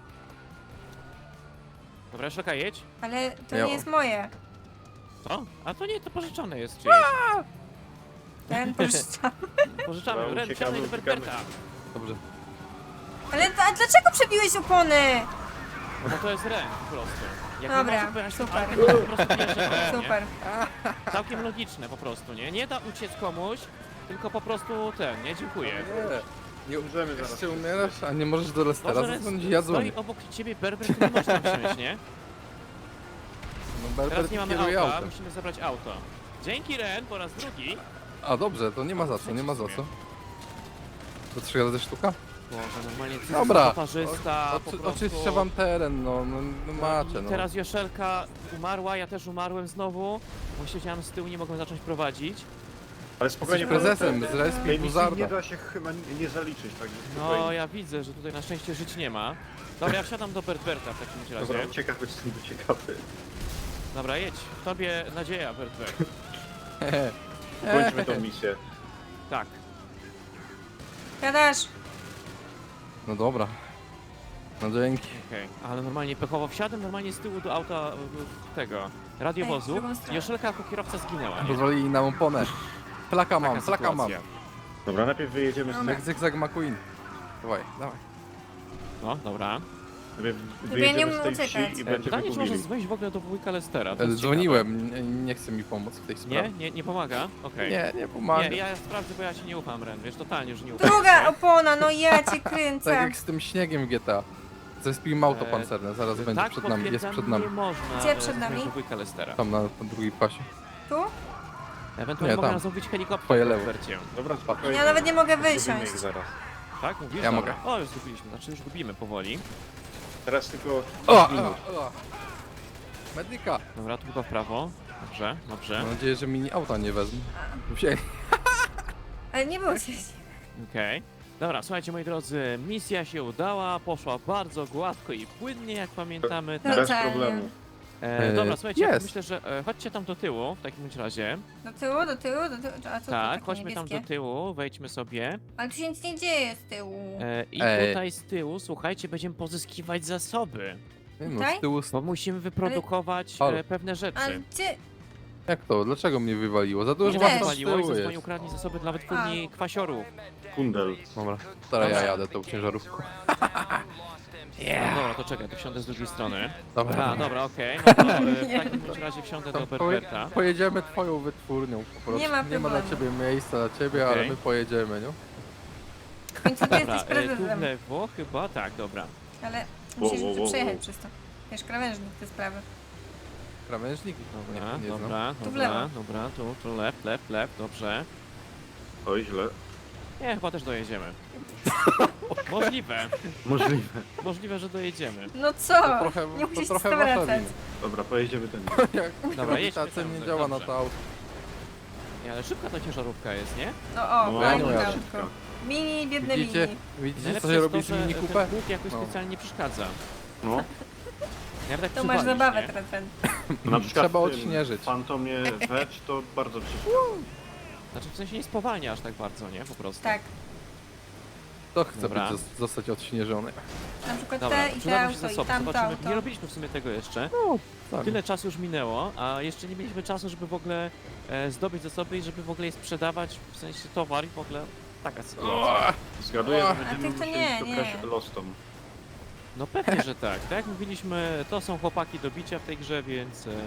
Speaker 1: Dobra, Szlaka, jedź.
Speaker 3: Ale to
Speaker 2: Ja-
Speaker 3: nie jest moje.
Speaker 1: Co? A to nie, to pożyczone jest czyjeś.
Speaker 3: Ten pożyczam.
Speaker 1: Pożyczamy,
Speaker 4: Dobra,
Speaker 1: Ren,
Speaker 4: uciekamy,
Speaker 1: wsiadaj do
Speaker 4: uciekamy.
Speaker 1: Berberta.
Speaker 2: Dobrze.
Speaker 3: Ale a dlaczego przebiłeś opony?
Speaker 1: No bo to jest Ren po prostu. Jak
Speaker 3: Dobra,
Speaker 1: nie może pojechać tym
Speaker 3: super.
Speaker 1: autem, to po prostu nie jeżdżę koło, nie?
Speaker 3: Super.
Speaker 1: Całkiem logiczne po prostu, nie? Nie da uciec komuś, tylko po prostu ten, nie? Dziękuję.
Speaker 2: Nie, nie
Speaker 4: Umrzemy zaraz.
Speaker 2: jeszcze umierasz, a nie możesz do Lestera
Speaker 1: Może
Speaker 2: zadzwonić,
Speaker 1: Ren
Speaker 2: ja
Speaker 1: stoi
Speaker 2: dzwonię.
Speaker 1: obok ciebie Berber, to nie możesz tam wsiąść, nie?
Speaker 2: No Berber
Speaker 1: Teraz nie mamy
Speaker 2: kieruje
Speaker 1: auta,
Speaker 2: autem.
Speaker 1: musimy zabrać auto. Dzięki Ren, po raz drugi.
Speaker 2: A dobrze, to nie ma za co, nie ma za co. To trzy razy sztuka?
Speaker 1: Boże, normalnie ty
Speaker 2: Dobra.
Speaker 1: parzysta,
Speaker 2: O,
Speaker 1: po
Speaker 2: oczy,
Speaker 1: prostu.
Speaker 2: oczyszczę wam teren, no, no, no macie,
Speaker 1: I
Speaker 2: no.
Speaker 1: teraz Joszelka umarła, ja też umarłem znowu, bo siedziałem z tyłu, nie mogłem zacząć prowadzić.
Speaker 4: Ale spokojnie,
Speaker 2: Jesteś prezesem, z
Speaker 4: tej
Speaker 2: Respi
Speaker 4: misji nie
Speaker 2: Buzarda.
Speaker 4: da się chyba nie nie zaliczyć, także
Speaker 1: No,
Speaker 4: spokojnie.
Speaker 1: ja widzę, że tutaj na szczęście żyć nie ma. Dobra, ja wsiadam do Bertberta w takim razie.
Speaker 4: Dobra, ciekawy, jestem ciekawy.
Speaker 1: Dobra, jedź. W tobie nadzieja, Bertbert.
Speaker 4: Kończmy tą misję.
Speaker 1: Tak.
Speaker 3: Gadasz.
Speaker 2: No dobra. No dzięki.
Speaker 1: Okej, ale normalnie pechowo wsiadłem normalnie z tyłu do auta e, tego
Speaker 3: Ej,
Speaker 1: radiowozu.
Speaker 3: w drugą stronę.
Speaker 1: Joszelka jako kierowca zginęła, nie?
Speaker 2: Pozwolili nam oponę. Flaka mam,
Speaker 1: Taka
Speaker 2: flaka mam.
Speaker 1: sytuacja.
Speaker 4: Dobra, najpierw wyjedziemy z
Speaker 3: Dobra.
Speaker 2: Jak Zygzak McQueen. Dawaj, dawaj.
Speaker 1: No, dobra.
Speaker 4: najpierw
Speaker 3: nie
Speaker 4: wyjedziemy z tej
Speaker 3: umiem
Speaker 4: wsi
Speaker 3: uciekać.
Speaker 4: i
Speaker 1: E,
Speaker 4: będziemy
Speaker 1: Pytanie, czy możesz
Speaker 4: mówili.
Speaker 1: dzwonić w ogóle do wujka Lestera? To
Speaker 2: E,
Speaker 1: jest
Speaker 2: Dzwoniłem, nie, nie chce mi pomóc w tej
Speaker 1: ciekawe. Nie?
Speaker 2: sprawie.
Speaker 1: Nie, nie pomaga? Okej.
Speaker 2: Nie, nie pomaga.
Speaker 1: Nie, ja sprawdzę, bo ja ci nie ufam, Ren, wiesz, totalnie już nie ufam.
Speaker 3: Druga opona, no ja cię
Speaker 2: Tak
Speaker 3: kręcę.
Speaker 2: jak z tym śniegiem w G T A. Zespijmy auto
Speaker 1: E,
Speaker 2: pancerne, zaraz będzie
Speaker 1: Tak,
Speaker 2: przed nami, jest
Speaker 1: potwierdzam,
Speaker 2: przed nami.
Speaker 1: nie można
Speaker 3: Gdzie
Speaker 1: e,
Speaker 3: przed nami?
Speaker 1: dzwonić do wujka Lestera.
Speaker 2: Tam na, na drugiej pasie.
Speaker 3: Tu?
Speaker 1: Ewentualnie
Speaker 2: Nie,
Speaker 1: mogę
Speaker 2: tam.
Speaker 1: nas zamówić helikopter
Speaker 2: Twoje
Speaker 1: w
Speaker 2: lewo.
Speaker 1: Berbercie.
Speaker 4: Dobra, spokojnie.
Speaker 3: Ja nawet nie mogę
Speaker 4: Zrobimy
Speaker 3: wysiąść.
Speaker 4: ich zaraz.
Speaker 1: Tak? Mówisz?
Speaker 2: Ja
Speaker 1: Dobra.
Speaker 2: mogę.
Speaker 1: O, już zgubiliśmy, znaczy już gubimy powoli.
Speaker 4: Teraz tylko
Speaker 2: O!
Speaker 4: minut.
Speaker 2: o, o. Medyka!
Speaker 1: Dobra, tu chyba w prawo. Dobrze, dobrze.
Speaker 2: Mam nadzieję, że mini auta nie wezmą. Wzięli.
Speaker 3: Ale nie było się.
Speaker 1: Okej. Dobra, słuchajcie moi drodzy, misja się udała, poszła bardzo gładko i płynnie, jak pamiętamy.
Speaker 3: No
Speaker 1: Tak.
Speaker 4: Bez
Speaker 3: Totalnie.
Speaker 4: problemu.
Speaker 1: E,
Speaker 2: E,
Speaker 1: dobra, słuchajcie,
Speaker 2: jest.
Speaker 1: myślę, że e, chodźcie tam do tyłu w takim bądź razie.
Speaker 3: Do tyłu, do tyłu, do tyłu. A co tu
Speaker 1: Tak,
Speaker 3: takie
Speaker 1: chodźmy tam
Speaker 3: niebieskie?
Speaker 1: do tyłu, wejdźmy sobie.
Speaker 3: Ale tu się nic nie dzieje z tyłu.
Speaker 1: E, I
Speaker 2: Ej.
Speaker 1: tutaj z tyłu, słuchajcie, będziemy pozyskiwać zasoby.
Speaker 2: Nie no,
Speaker 3: Tutaj?
Speaker 2: z tyłu...
Speaker 1: Bo musimy wyprodukować
Speaker 2: Ale-
Speaker 1: e, pewne rzeczy.
Speaker 3: Ale gdzie?
Speaker 2: Jak to? Dlaczego mnie wywaliło? Za dużo
Speaker 1: Nie
Speaker 3: też.
Speaker 2: was z
Speaker 1: wywaliło i
Speaker 2: tyłu
Speaker 1: zadzwonił
Speaker 2: jest.
Speaker 1: ukradli zasoby dla wytwórni kwasiorów.
Speaker 4: Kundel.
Speaker 2: Dobra, teraz ja
Speaker 1: Dobra.
Speaker 2: jadę tą ciężarówką.
Speaker 1: No dobra, to czekaj, to wsiądę z drugiej strony.
Speaker 2: Dobra,
Speaker 1: A, dobra, okej, no to e, w takim bądź razie wsiądę do
Speaker 2: To poje,
Speaker 1: Berberta.
Speaker 2: pojedziemy twoją wytwórnią po prostu.
Speaker 3: Nie ma
Speaker 2: nie ma dla
Speaker 3: problemu.
Speaker 2: ciebie miejsca dla ciebie, ale
Speaker 1: Okej.
Speaker 2: my pojedziemy, nie?
Speaker 3: W końcu ty
Speaker 1: Dobra,
Speaker 3: jesteś
Speaker 1: e, tu w
Speaker 3: prezesem.
Speaker 1: lewo chyba, tak, dobra.
Speaker 3: Ale
Speaker 4: Wo,
Speaker 3: musisz
Speaker 4: wo,
Speaker 3: tu
Speaker 4: wo,
Speaker 3: przejechać
Speaker 4: wo.
Speaker 3: przez to. Wiesz, krawężnik te sprawy.
Speaker 2: Krawężnik?
Speaker 1: Dobra,
Speaker 2: nie, nie znam.
Speaker 1: dobra,
Speaker 3: Tu w
Speaker 1: dobra,
Speaker 3: lewo.
Speaker 1: dobra, tu, tu, left, left, left, dobrze.
Speaker 4: Oj, źle.
Speaker 1: Nie, chyba też dojedziemy. Możliwe,
Speaker 4: Możliwe.
Speaker 1: możliwe, że dojedziemy.
Speaker 3: No co?
Speaker 2: To trochę,
Speaker 3: nie
Speaker 2: to
Speaker 3: musisz
Speaker 2: trochę
Speaker 3: się
Speaker 2: wasza
Speaker 3: wracać.
Speaker 2: wina.
Speaker 4: Dobra, pojedziemy ten.
Speaker 2: Jak
Speaker 1: Dobra, jedźmy
Speaker 2: grawitacja
Speaker 1: tam,
Speaker 2: nie działa na
Speaker 1: dobrze.
Speaker 2: to auto.
Speaker 1: Nie, ale szybka ta ciężarówka jest, nie?
Speaker 3: No o,
Speaker 4: No,
Speaker 2: ja
Speaker 3: fajnie
Speaker 2: nie jadę.
Speaker 3: autko. Mini, biedne
Speaker 2: Widzicie,
Speaker 3: mini.
Speaker 2: widzicie co
Speaker 1: Najlepsze
Speaker 2: się
Speaker 1: jest
Speaker 2: robi
Speaker 1: to,
Speaker 2: z
Speaker 1: że
Speaker 2: mini
Speaker 1: ten
Speaker 2: kupę?
Speaker 1: pług jakoś
Speaker 2: No.
Speaker 1: specjalnie nie przeszkadza.
Speaker 4: No,
Speaker 1: Jak tak
Speaker 3: To masz
Speaker 1: przywalisz,
Speaker 3: zabawę
Speaker 1: nie?
Speaker 3: teraz, ten.
Speaker 4: na przykład
Speaker 2: Trzeba
Speaker 4: w tym
Speaker 2: odśnieżyć.
Speaker 4: Fantomie Wedge to bardzo przeszkadza.
Speaker 1: Znaczy w sensie nie spowalnia aż tak bardzo, nie? Po prostu.
Speaker 3: Tak.
Speaker 2: To chce
Speaker 1: Dobra.
Speaker 2: być, zos- zostać odśnieżony.
Speaker 3: Na przykład
Speaker 1: Dobra,
Speaker 3: te i te
Speaker 1: przydadzą się
Speaker 3: auto i
Speaker 1: zasoby,
Speaker 3: tamto
Speaker 1: zobaczymy.
Speaker 3: auto.
Speaker 1: Nie robiliśmy w sumie tego jeszcze.
Speaker 2: No, tak.
Speaker 1: Tyle czasu już minęło, a jeszcze nie mieliśmy czasu, żeby w ogóle e, zdobyć zasoby i żeby w ogóle je sprzedawać, w sensie towar i w ogóle taka sytuacja.
Speaker 4: Zgaduję,
Speaker 2: A
Speaker 4: że
Speaker 3: tych
Speaker 4: będziemy
Speaker 3: to
Speaker 4: musieli
Speaker 3: nie,
Speaker 4: szukać
Speaker 3: nie.
Speaker 4: Lostom.
Speaker 1: No pewnie, że tak. Tak jak mówiliśmy, to są chłopaki do bicia w tej grze, więc... E,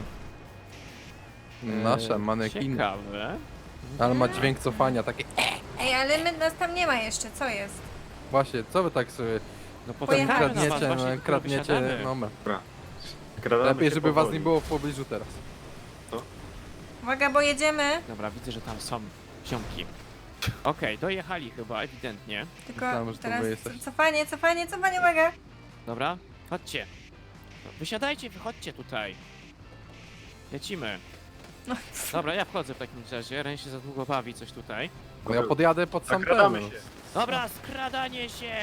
Speaker 2: Nasze
Speaker 1: e,
Speaker 2: manekiny.
Speaker 1: Ciekawe.
Speaker 2: Ale ma dźwięk cofania, takie...
Speaker 3: Ej, ale my, nas tam nie ma jeszcze, co jest?
Speaker 2: Właśnie, co wy tak sobie
Speaker 1: No
Speaker 2: potem
Speaker 3: Pojechamy na
Speaker 2: kradniecie,
Speaker 1: was,
Speaker 2: no,
Speaker 1: właśnie tylko
Speaker 2: kradniecie,
Speaker 1: wysiadamy.
Speaker 2: no ma.
Speaker 4: Skradamy
Speaker 2: Lepiej,
Speaker 4: się
Speaker 2: żeby was
Speaker 4: powoli.
Speaker 2: nie było w pobliżu teraz.
Speaker 3: Uwaga, bo jedziemy.
Speaker 1: Dobra, widzę, że tam są ziomki. Okej, dojechali chyba, ewidentnie.
Speaker 3: Tylko
Speaker 2: Myślałem, że to
Speaker 3: teraz
Speaker 2: wy jesteście.
Speaker 3: cofanie, cofanie, cofanie, uwaga.
Speaker 1: Dobra, chodźcie. No, wysiadajcie, wychodźcie tutaj. Lecimy.
Speaker 3: No.
Speaker 1: Dobra, ja wchodzę w takim razie. Ren się za długo bawi coś tutaj.
Speaker 2: No ja podjadę pod sam
Speaker 4: Zakradamy
Speaker 2: pełno.
Speaker 4: się.
Speaker 1: Dobra, skradanie się!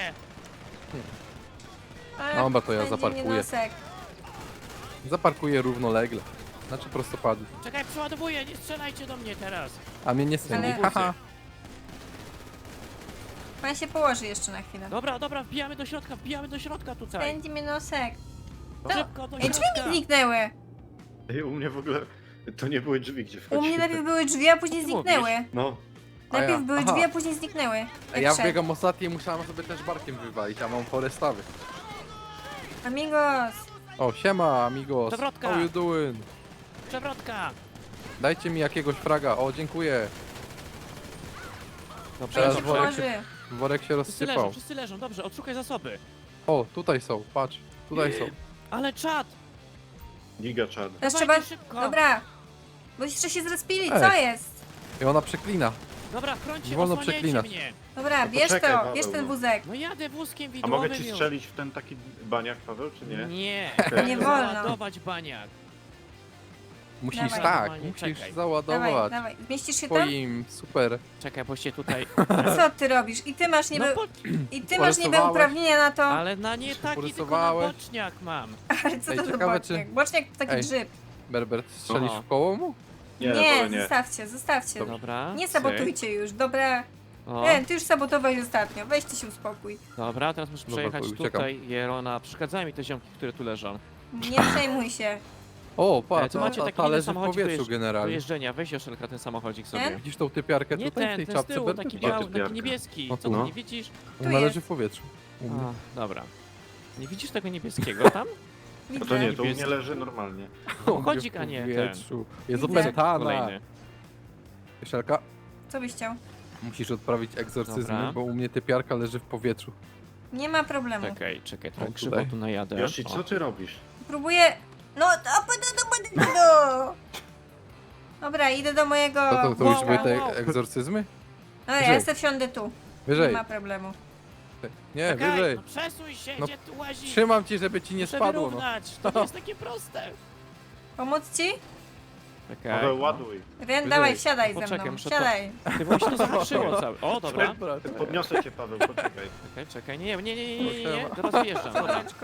Speaker 3: A,
Speaker 2: Dobra, to ja
Speaker 3: będzie
Speaker 2: zaparkuję.
Speaker 3: nienosek.
Speaker 2: Zaparkuję równolegle. Znaczy prostopadnie.
Speaker 1: Czekaj, przeładowuję, nie strzelajcie do mnie teraz.
Speaker 2: A mnie nie strzeli.
Speaker 3: Ale-
Speaker 2: Haha.
Speaker 3: Pan się położy jeszcze na chwilę.
Speaker 1: Dobra, dobra, wbijamy do środka, wbijamy do środka tutaj.
Speaker 3: Pędzi mnie nosek.
Speaker 1: Szybko do
Speaker 3: Ej, drzwi
Speaker 1: środka.
Speaker 3: mi zniknęły.
Speaker 4: Ej, u mnie w ogóle to nie były drzwi, gdzie
Speaker 3: U
Speaker 4: wchodzimy.
Speaker 3: mnie najpierw były drzwi, a później
Speaker 1: Ty
Speaker 3: zniknęły.
Speaker 4: No,
Speaker 2: A ja-
Speaker 3: Najpierw były
Speaker 2: aha.
Speaker 3: drzwi, a później zniknęły.
Speaker 2: A
Speaker 3: Jak
Speaker 2: ja
Speaker 3: szedł.
Speaker 2: wbiegam ostatni i musiałem sobie też barkiem wywalić, a mam chore stawy.
Speaker 3: Amigos.
Speaker 2: O, siema amigos.
Speaker 1: Przewrotka.
Speaker 2: How you doing?
Speaker 1: Przewrotka.
Speaker 2: Dajcie mi jakiegoś fraga. O, dziękuję.
Speaker 1: Dobrze,
Speaker 2: Teraz
Speaker 3: Pędzi
Speaker 2: worek
Speaker 1: dobrze.
Speaker 2: się-
Speaker 3: położy.
Speaker 2: Worek się
Speaker 1: Wszyscy leżą,
Speaker 2: rozsypał.
Speaker 1: wszyscy leżą, dobrze, odszukaj zasoby.
Speaker 2: O, tutaj są, patrz. Tutaj są.
Speaker 1: Ale czad!
Speaker 4: giga czad.
Speaker 3: Teraz
Speaker 1: Dawajcie
Speaker 3: trzeba...
Speaker 1: szybko.
Speaker 3: Dobra. Bo jeszcze się zrespili,
Speaker 2: Ej.
Speaker 3: co jest?
Speaker 2: I ona przeklina.
Speaker 1: Dobra, chrońcie,
Speaker 2: Nie wolno
Speaker 1: osłaniajcie
Speaker 2: przeklinać.
Speaker 1: mnie.
Speaker 3: Dobra,
Speaker 4: No
Speaker 3: bierz
Speaker 4: poczekaj,
Speaker 3: to,
Speaker 4: Paweł,
Speaker 3: bierz ten
Speaker 4: no.
Speaker 3: wózek.
Speaker 1: No jadę wózkiem
Speaker 4: A
Speaker 1: widłowym
Speaker 4: mogę ci
Speaker 1: już.
Speaker 4: strzelić w ten taki baniak, Paweł, czy nie?
Speaker 1: Nie,
Speaker 3: Nie wolno.
Speaker 1: załadować baniak.
Speaker 2: Musisz
Speaker 3: Dawaj.
Speaker 2: tak,
Speaker 1: Normalnie,
Speaker 2: musisz
Speaker 1: czekaj.
Speaker 3: Dawaj,
Speaker 2: załadować.
Speaker 3: dawaj. Zmieścisz się tam?
Speaker 2: Twoim super.
Speaker 1: Czekaj, bo się tutaj...
Speaker 3: Co ty robisz? I ty masz niby...
Speaker 1: No po...
Speaker 3: I ty masz niby
Speaker 2: Porysowałeś.
Speaker 3: uprawnienia na to.
Speaker 1: Ale na nie taki, tylko na
Speaker 2: porysowałeś.
Speaker 1: boczniak mam.
Speaker 3: Ale co
Speaker 2: Ej,
Speaker 3: to za
Speaker 2: ciekawe,
Speaker 3: boczniak?
Speaker 2: czy-
Speaker 3: Boczniak to taki
Speaker 2: Ej.
Speaker 3: grzyb.
Speaker 2: Berber, strzelisz
Speaker 1: Aha.
Speaker 2: w koło mu?
Speaker 4: Nie,
Speaker 3: Nie,
Speaker 4: wolę nie.
Speaker 3: zostawcie, zostawcie.
Speaker 1: Dobra.
Speaker 3: Nie
Speaker 1: cyk.
Speaker 3: sabotujcie już, dobra.
Speaker 1: O,
Speaker 3: Nie, ty już sabotowałeś ostatnio, weźcie się uspokój.
Speaker 1: dobra, teraz muszę
Speaker 2: Dobra,
Speaker 1: przejechać
Speaker 2: uciekam.
Speaker 1: tutaj. Jerona, przeszkadzają mi te ziomki, które tu leżą.
Speaker 3: Nie przejmuj się.
Speaker 2: O,
Speaker 1: E,
Speaker 2: patrz,
Speaker 1: tu macie
Speaker 2: ta,
Speaker 1: taki
Speaker 2: ta
Speaker 1: inny
Speaker 2: leży w
Speaker 1: samochodzik do
Speaker 2: powietrzu
Speaker 1: jeżdż- Do
Speaker 2: generalnie.
Speaker 1: jeżdżenia, weź Joszelka ten samochodzik
Speaker 3: Nie?
Speaker 1: sobie.
Speaker 2: Widzisz tą typiarkę
Speaker 1: Nie
Speaker 2: tutaj w
Speaker 1: ten,
Speaker 2: tej
Speaker 1: ten z
Speaker 2: czapce
Speaker 1: tyłu,
Speaker 2: Berber?
Speaker 1: taki
Speaker 4: Gdzie
Speaker 1: biały,
Speaker 4: typiarka?
Speaker 1: taki niebieski.
Speaker 2: O,
Speaker 1: Co
Speaker 2: tu.
Speaker 1: ty
Speaker 4: No.
Speaker 1: nie widzisz?
Speaker 2: Ona
Speaker 3: jest.
Speaker 2: leży w powietrzu. U mnie.
Speaker 1: A, dobra. Nie widzisz tego niebieskiego tam?
Speaker 4: No to nie, to u mnie
Speaker 1: Niebieski.
Speaker 4: leży normalnie.
Speaker 2: U mnie
Speaker 1: chodzik,
Speaker 2: w
Speaker 1: a nie ten.
Speaker 2: powietrzu. Jest
Speaker 3: Widzę.
Speaker 2: opętana.
Speaker 1: Kolejny.
Speaker 2: Joszelka,
Speaker 3: Co byś chciał?
Speaker 2: musisz odprawić egzorcyzmy,
Speaker 1: Dobra.
Speaker 2: bo u mnie typiarka leży w powietrzu.
Speaker 3: Nie ma problemu.
Speaker 1: Czekaj, czekaj, trochę
Speaker 2: O,
Speaker 1: krzywo
Speaker 2: tutaj.
Speaker 1: tu najadę.
Speaker 4: Yoshi,
Speaker 1: O.
Speaker 4: co ty robisz?
Speaker 3: Próbuję... No, to do, do, do, do. Dobra, idę do mojego...
Speaker 2: To, to, to
Speaker 1: Wow,
Speaker 2: już były te
Speaker 1: wow, wow.
Speaker 2: egzorcyzmy?
Speaker 3: No ja
Speaker 2: wyżej.
Speaker 3: sobie wsiądę tu. Nie
Speaker 2: Wyżej.
Speaker 3: ma problemu.
Speaker 2: Nie,
Speaker 1: Czekaj,
Speaker 2: wyżej.
Speaker 1: no przesuń się,
Speaker 2: No,
Speaker 1: gdzie tu łazisz?
Speaker 2: Trzymam ci, żeby ci nie
Speaker 1: Muszę
Speaker 2: spadło. No.
Speaker 1: wyrównać, to nie jest takie proste.
Speaker 3: Pomóc ci?
Speaker 1: Czekaj,
Speaker 4: Paweł,
Speaker 1: no.
Speaker 4: ładuj.
Speaker 3: Ren, dawaj,
Speaker 2: Wyżej.
Speaker 3: wsiadaj ze
Speaker 1: Poczekaj,
Speaker 3: mną.
Speaker 1: muszę to-
Speaker 3: Wsiadaj.
Speaker 1: Ty właśnie to zahaczyło całe. O, dobra.
Speaker 2: Dobra,
Speaker 4: Podniosę cię, Paweł, poczekaj.
Speaker 1: Czekaj, czekaj, nie, nie, nie, nie, nie, nie, nie.
Speaker 2: Siema.
Speaker 1: teraz wjeżdżam, dobra.
Speaker 3: Słoneczko.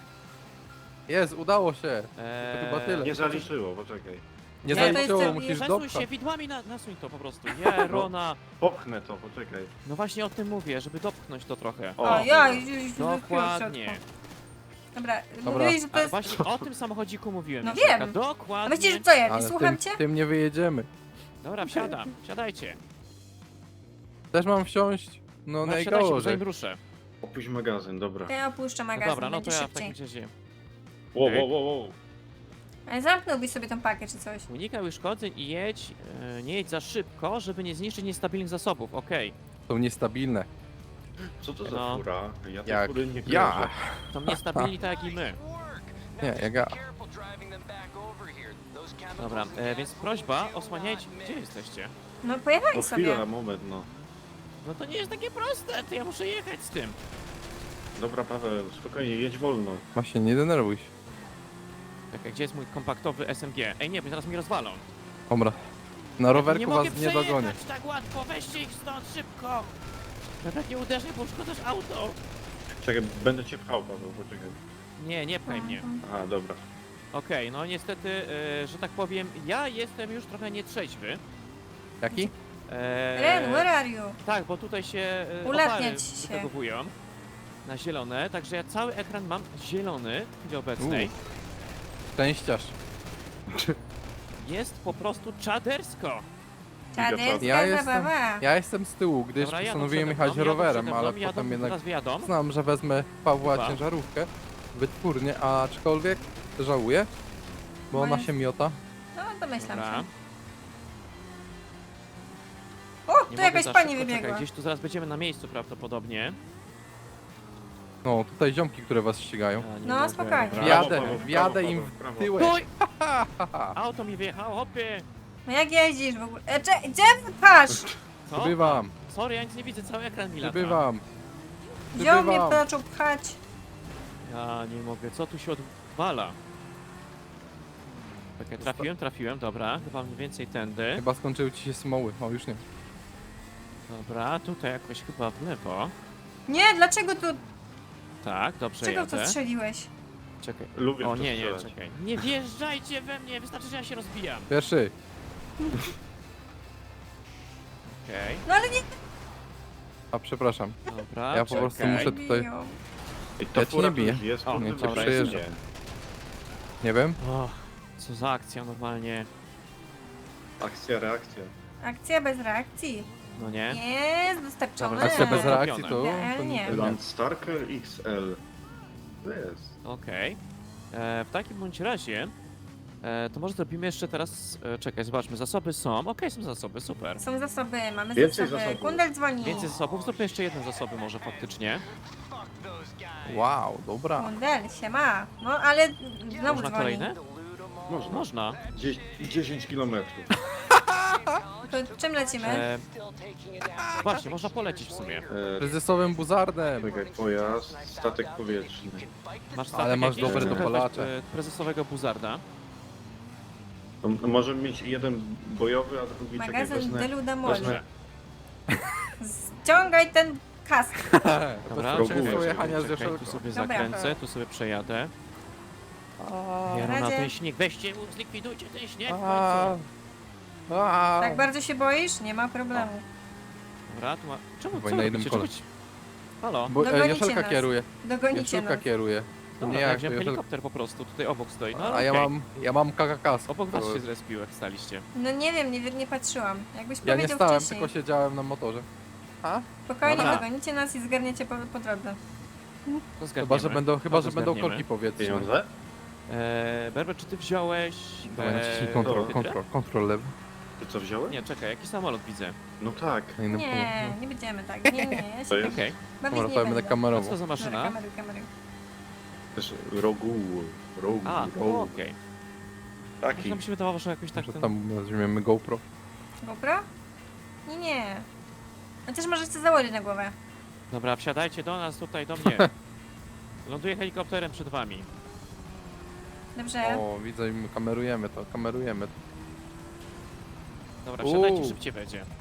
Speaker 2: Jest, udało się.
Speaker 1: Eee,
Speaker 2: chyba tyle.
Speaker 4: Nie zaliczyło, poczekaj.
Speaker 2: Nie
Speaker 3: Ja to
Speaker 2: zaliczyło,
Speaker 3: jestem-
Speaker 2: musisz
Speaker 1: Przesuń
Speaker 2: dopchać.
Speaker 1: się, widłami na, nasuń to po prostu. Jerona.
Speaker 4: Popchnę to, poczekaj.
Speaker 1: No właśnie o tym mówię, żeby dopchnąć to trochę.
Speaker 4: O,
Speaker 3: O, ja już już
Speaker 1: Dokładnie.
Speaker 3: Dobra,
Speaker 2: Dobra.
Speaker 3: mówiłeś, że to
Speaker 1: A
Speaker 3: jest...
Speaker 1: właśnie o tym samochodziku mówiłem.
Speaker 3: No
Speaker 1: Joszelka.
Speaker 3: wiem. A
Speaker 1: Dokładnie.
Speaker 3: myślisz, że co ja, nie
Speaker 2: Ale
Speaker 3: słucham
Speaker 2: tym,
Speaker 3: cię?
Speaker 2: tym nie wyjedziemy.
Speaker 1: Dobra, wsiadam, wsiadajcie.
Speaker 2: Też mam wsiąść? No,
Speaker 1: No, wsiadajcie, bo
Speaker 2: najgorzej.
Speaker 1: zanim ruszę.
Speaker 4: Opuść magazyn, dobra.
Speaker 3: Ja opuszczę
Speaker 1: No
Speaker 3: magazyn,
Speaker 1: dobra, no to
Speaker 3: będzie
Speaker 1: ja w
Speaker 3: szybciej.
Speaker 1: takim razie
Speaker 4: Wow,
Speaker 1: Okej.
Speaker 4: wow, wow, wow.
Speaker 3: Ale zamknąłbyś sobie tą pakę czy coś.
Speaker 1: unikaj uszkodzeń i jedź, e, nie jedź za szybko, żeby nie zniszczyć niestabilnych zasobów, okej.
Speaker 2: Są niestabilne.
Speaker 4: Co to za
Speaker 1: No.
Speaker 4: fura? Ja tej
Speaker 2: Jak
Speaker 4: fury nie
Speaker 2: ja.
Speaker 4: kojarzę.
Speaker 1: Są niestabilni tak jak i my.
Speaker 2: Nie, jak ja.
Speaker 1: Dobra, e, więc prośba, osłaniajcie. Gdzie jesteście?
Speaker 3: No
Speaker 4: No
Speaker 3: pojechali sobie.
Speaker 4: chwila, moment, no.
Speaker 1: No to nie jest takie proste, to ja muszę jechać z tym.
Speaker 4: Dobra, Paweł, spokojnie, jedź wolno.
Speaker 2: Właśnie, nie denerwuj się.
Speaker 1: Czekaj, gdzie jest mój kompaktowy S M G? Ej, nie, bo zaraz mi rozwalą.
Speaker 2: Dobra. Na
Speaker 1: nie
Speaker 2: rowerku
Speaker 1: mogę
Speaker 2: was nie dogonię.
Speaker 1: przejechać tak łatwo, weźcie ich stąd szybko. Nawet nie uderzaj, bo uszkodzasz auto.
Speaker 4: Czekaj, będę cię pchał, Paweł, poczekaj.
Speaker 1: Nie, nie pchaj mnie.
Speaker 4: Aha, dobra.
Speaker 1: Okej, no niestety, e, że tak powiem, ja jestem już trochę nietrzeźwy.
Speaker 2: Jaki?
Speaker 1: E,
Speaker 3: Ren, where are you?
Speaker 1: Tak, bo tutaj się e,
Speaker 3: Ulatniać
Speaker 1: opary
Speaker 3: się.
Speaker 1: wytagowują na zielone, także ja cały ekran mam zielony w chwili obecnej.
Speaker 2: Szczęściarz.
Speaker 1: Jest po prostu czadersko.
Speaker 3: Czaderska
Speaker 2: Ja jestem-
Speaker 3: zabawa.
Speaker 2: Ja jestem z tyłu, gdyż
Speaker 1: Dobra, jadą
Speaker 2: postanowiłem
Speaker 1: przede
Speaker 2: jechać
Speaker 1: mną, jadą
Speaker 2: rowerem,
Speaker 1: przede
Speaker 2: ale
Speaker 1: mną, jadą,
Speaker 2: potem jednak
Speaker 1: Teraz wyjadą.
Speaker 2: znam, że wezmę Pawła
Speaker 1: Chyba.
Speaker 2: ciężarówkę, wytwórnię, aczkolwiek żałuję, bo
Speaker 3: No
Speaker 2: ona
Speaker 3: jest-
Speaker 2: się miota.
Speaker 3: No, domyślam
Speaker 1: Dobra.
Speaker 3: się. O,
Speaker 1: Nie
Speaker 3: tu
Speaker 1: mogę
Speaker 3: jakaś
Speaker 1: za
Speaker 3: pani
Speaker 1: szybko,
Speaker 3: wybiegła.
Speaker 1: Czekaj, gdzieś tu zaraz będziemy na miejscu prawdopodobnie.
Speaker 2: No, tutaj ziomki, które was ścigają.
Speaker 1: A, nie
Speaker 3: No,
Speaker 1: mogę,
Speaker 3: spokojnie.
Speaker 1: dobra.
Speaker 4: Wjadę.
Speaker 2: Wjadę,
Speaker 4: Paweł, w
Speaker 2: wjadę
Speaker 4: prawo,
Speaker 2: im
Speaker 4: Paweł, w prawo.
Speaker 2: w tyłek.
Speaker 1: Stój! Auto mi wyjechało, hopie!
Speaker 3: No jak jeździsz w ogóle? E, cze, gdzie wypasz?
Speaker 1: Co?
Speaker 2: Przybywam,
Speaker 1: Sorry, ja nic nie widzę, cały ekran mi lata.
Speaker 2: przybywam.
Speaker 3: Wziął mnie,
Speaker 2: Przybywam.
Speaker 3: zaczął pchać.
Speaker 1: Ja nie mogę, co tu się odwala? Czekaj, trafiłem, trafiłem, dobra, chyba mniej więcej tędy.
Speaker 2: Chyba skończyły ci się smoły. O, już nie.
Speaker 1: Dobra, tutaj jakoś chyba w lewo.
Speaker 3: Nie, dlaczego tu...
Speaker 1: Tak, dobrze
Speaker 3: Czego to
Speaker 1: jadę.
Speaker 3: strzeliłeś?
Speaker 1: Czekaj.
Speaker 4: Lubię
Speaker 1: O
Speaker 4: w to
Speaker 1: nie, nie,
Speaker 4: strzelać.
Speaker 1: czekaj. Nie wjeżdżajcie we mnie, wystarczy, że ja się rozbijam.
Speaker 2: Pierwszy.
Speaker 1: Okej.
Speaker 3: No ale nie...
Speaker 2: A przepraszam.
Speaker 1: Dobra,
Speaker 2: Ja po prostu
Speaker 1: czekaj.
Speaker 2: muszę tutaj-
Speaker 3: Biją.
Speaker 4: I to
Speaker 2: Ja ci nie
Speaker 4: fura
Speaker 2: biję.
Speaker 4: tu jest,
Speaker 1: O,
Speaker 4: kurde,
Speaker 1: nie,
Speaker 4: wy
Speaker 1: dobra,
Speaker 4: przejeżdża.
Speaker 2: jestem. Nie wiem.
Speaker 1: O, co za akcja normalnie.
Speaker 4: Akcja, reakcja.
Speaker 3: Akcja bez reakcji.
Speaker 1: No nie?
Speaker 3: Jest dostarczone.
Speaker 1: Dobra,
Speaker 2: Akcja bez
Speaker 1: Zrobione.
Speaker 2: reakcji to... to
Speaker 3: Nie.
Speaker 2: to
Speaker 4: Landstarker X L. To jest.
Speaker 1: Okej. E, W takim bądź razie, e, to może zrobimy jeszcze teraz, e, czekaj, zobaczmy, zasoby są, okej, są zasoby, super.
Speaker 3: Są zasoby, mamy
Speaker 4: Więcej
Speaker 3: zasoby.
Speaker 4: zasobów.
Speaker 3: Kundel dzwoni.
Speaker 1: Więcej zasobów, zróbmy jeszcze jedne zasoby może faktycznie.
Speaker 2: Wow, dobra.
Speaker 3: Kundel, siema. No ale znowu
Speaker 1: Można
Speaker 3: dzwoni.
Speaker 1: kolejne?
Speaker 4: Można.
Speaker 1: Można.
Speaker 4: Dzie- dziesięć kilometrów.
Speaker 3: To czym lecimy?
Speaker 1: E, Właśnie, można polecieć w sumie.
Speaker 4: E,
Speaker 2: Prezesowym buzardem.
Speaker 4: czekaj, pojazd, statek powietrzny.
Speaker 1: Masz
Speaker 2: Ale
Speaker 1: statek
Speaker 2: masz
Speaker 1: jakiś?
Speaker 4: dobre
Speaker 1: Weź,
Speaker 2: dopalacze.
Speaker 1: e, prezesowego buzarda.
Speaker 4: No, no możemy mieć jeden bojowy, a drugi czekaj,
Speaker 3: Magazyn
Speaker 4: wezmę,
Speaker 3: Delu da Moli.
Speaker 4: wezmę,
Speaker 3: Ściągaj ten kask.
Speaker 1: Dobra,
Speaker 4: progu
Speaker 1: czekaj,
Speaker 4: jest.
Speaker 1: czekaj,
Speaker 2: jechania z
Speaker 1: czekaj, tu
Speaker 2: Joszelką.
Speaker 1: sobie
Speaker 3: Dobra.
Speaker 1: zakręcę, tu sobie przejadę.
Speaker 3: O,
Speaker 1: Jaro na
Speaker 3: razie.
Speaker 1: ten śnieg, weźcie, zlikwidujcie ten śnieg w
Speaker 2: A,
Speaker 1: końcu.
Speaker 2: a.
Speaker 3: Tak bardzo się boisz? Nie ma problemu.
Speaker 1: Dobra, tu ma... Czemu,
Speaker 2: Dawaj
Speaker 1: co
Speaker 2: na
Speaker 1: robicie?
Speaker 2: jednym
Speaker 1: Czemu
Speaker 2: kole.
Speaker 1: ci- Halo?
Speaker 2: Bo e,
Speaker 3: Dogonicie
Speaker 2: Joszelka
Speaker 3: nas.
Speaker 2: kieruje.
Speaker 3: Dogonicie
Speaker 2: Joszelka
Speaker 3: nas.
Speaker 2: kieruje. To
Speaker 1: Dobra,
Speaker 2: nie
Speaker 1: ja
Speaker 2: jak to
Speaker 1: wziąłem
Speaker 2: Joszelka.
Speaker 1: helikopter po prostu, tutaj obok stoi, no ale
Speaker 2: A ja
Speaker 1: okej.
Speaker 2: mam, ja mam K K K.
Speaker 1: Obok was się zrespił, jak staliście.
Speaker 3: No nie wiem, nie, nie patrzyłam. Jakbyś
Speaker 2: Ja nie
Speaker 3: powiedział
Speaker 2: stałem,
Speaker 3: wcześniej.
Speaker 2: tylko siedziałem na motorze. A?
Speaker 3: Spokojnie,
Speaker 1: Dobra.
Speaker 3: dogonicie nas i zgarniecie po, po drodze.
Speaker 1: To
Speaker 2: Chyba, że będą, chyba,
Speaker 1: To
Speaker 2: że będą
Speaker 1: zgarniemy.
Speaker 2: korki powietrzne.
Speaker 4: pieniądze?
Speaker 1: Eee, Berber, czy ty wziąłeś...
Speaker 2: Dawaj, naciśnij
Speaker 1: eee,
Speaker 2: kontrol,
Speaker 1: hydrę?
Speaker 2: kontrol, kontrol lewy.
Speaker 4: Ty co wziąłeś?
Speaker 1: Nie, czekaj, jakiś samolot widzę.
Speaker 4: No tak.
Speaker 2: Na innym
Speaker 3: Nie,
Speaker 2: polu.
Speaker 3: nie będziemy tak. Nie, nie, ja
Speaker 4: To
Speaker 3: się
Speaker 4: jest
Speaker 1: Okej,
Speaker 3: bawić
Speaker 2: Dobra,
Speaker 3: nie
Speaker 2: to ja będę
Speaker 3: będę.
Speaker 1: a co
Speaker 2: kamerował.
Speaker 1: to za
Speaker 3: Dobra,
Speaker 1: maszyna?
Speaker 3: kamery, kamery.
Speaker 4: też rogu, rogu,
Speaker 1: A,
Speaker 4: rogu.
Speaker 1: okej.
Speaker 4: Taki.
Speaker 1: Może mi się wydawało, że jakoś tak
Speaker 2: Że
Speaker 1: ten...
Speaker 2: tam nazwiemy GoPro.
Speaker 3: GoPro? Nie, nie. Chociaż możecie założyć na głowę.
Speaker 1: Dobra, wsiadajcie do nas, tutaj, do mnie. Ląduję helikopterem przed wami.
Speaker 3: Dobrze.
Speaker 2: O, widzę, i my kamerujemy to, kamerujemy to.
Speaker 1: Dobra, wsiadajcie,
Speaker 2: Uuu.
Speaker 1: szybciej będzie. To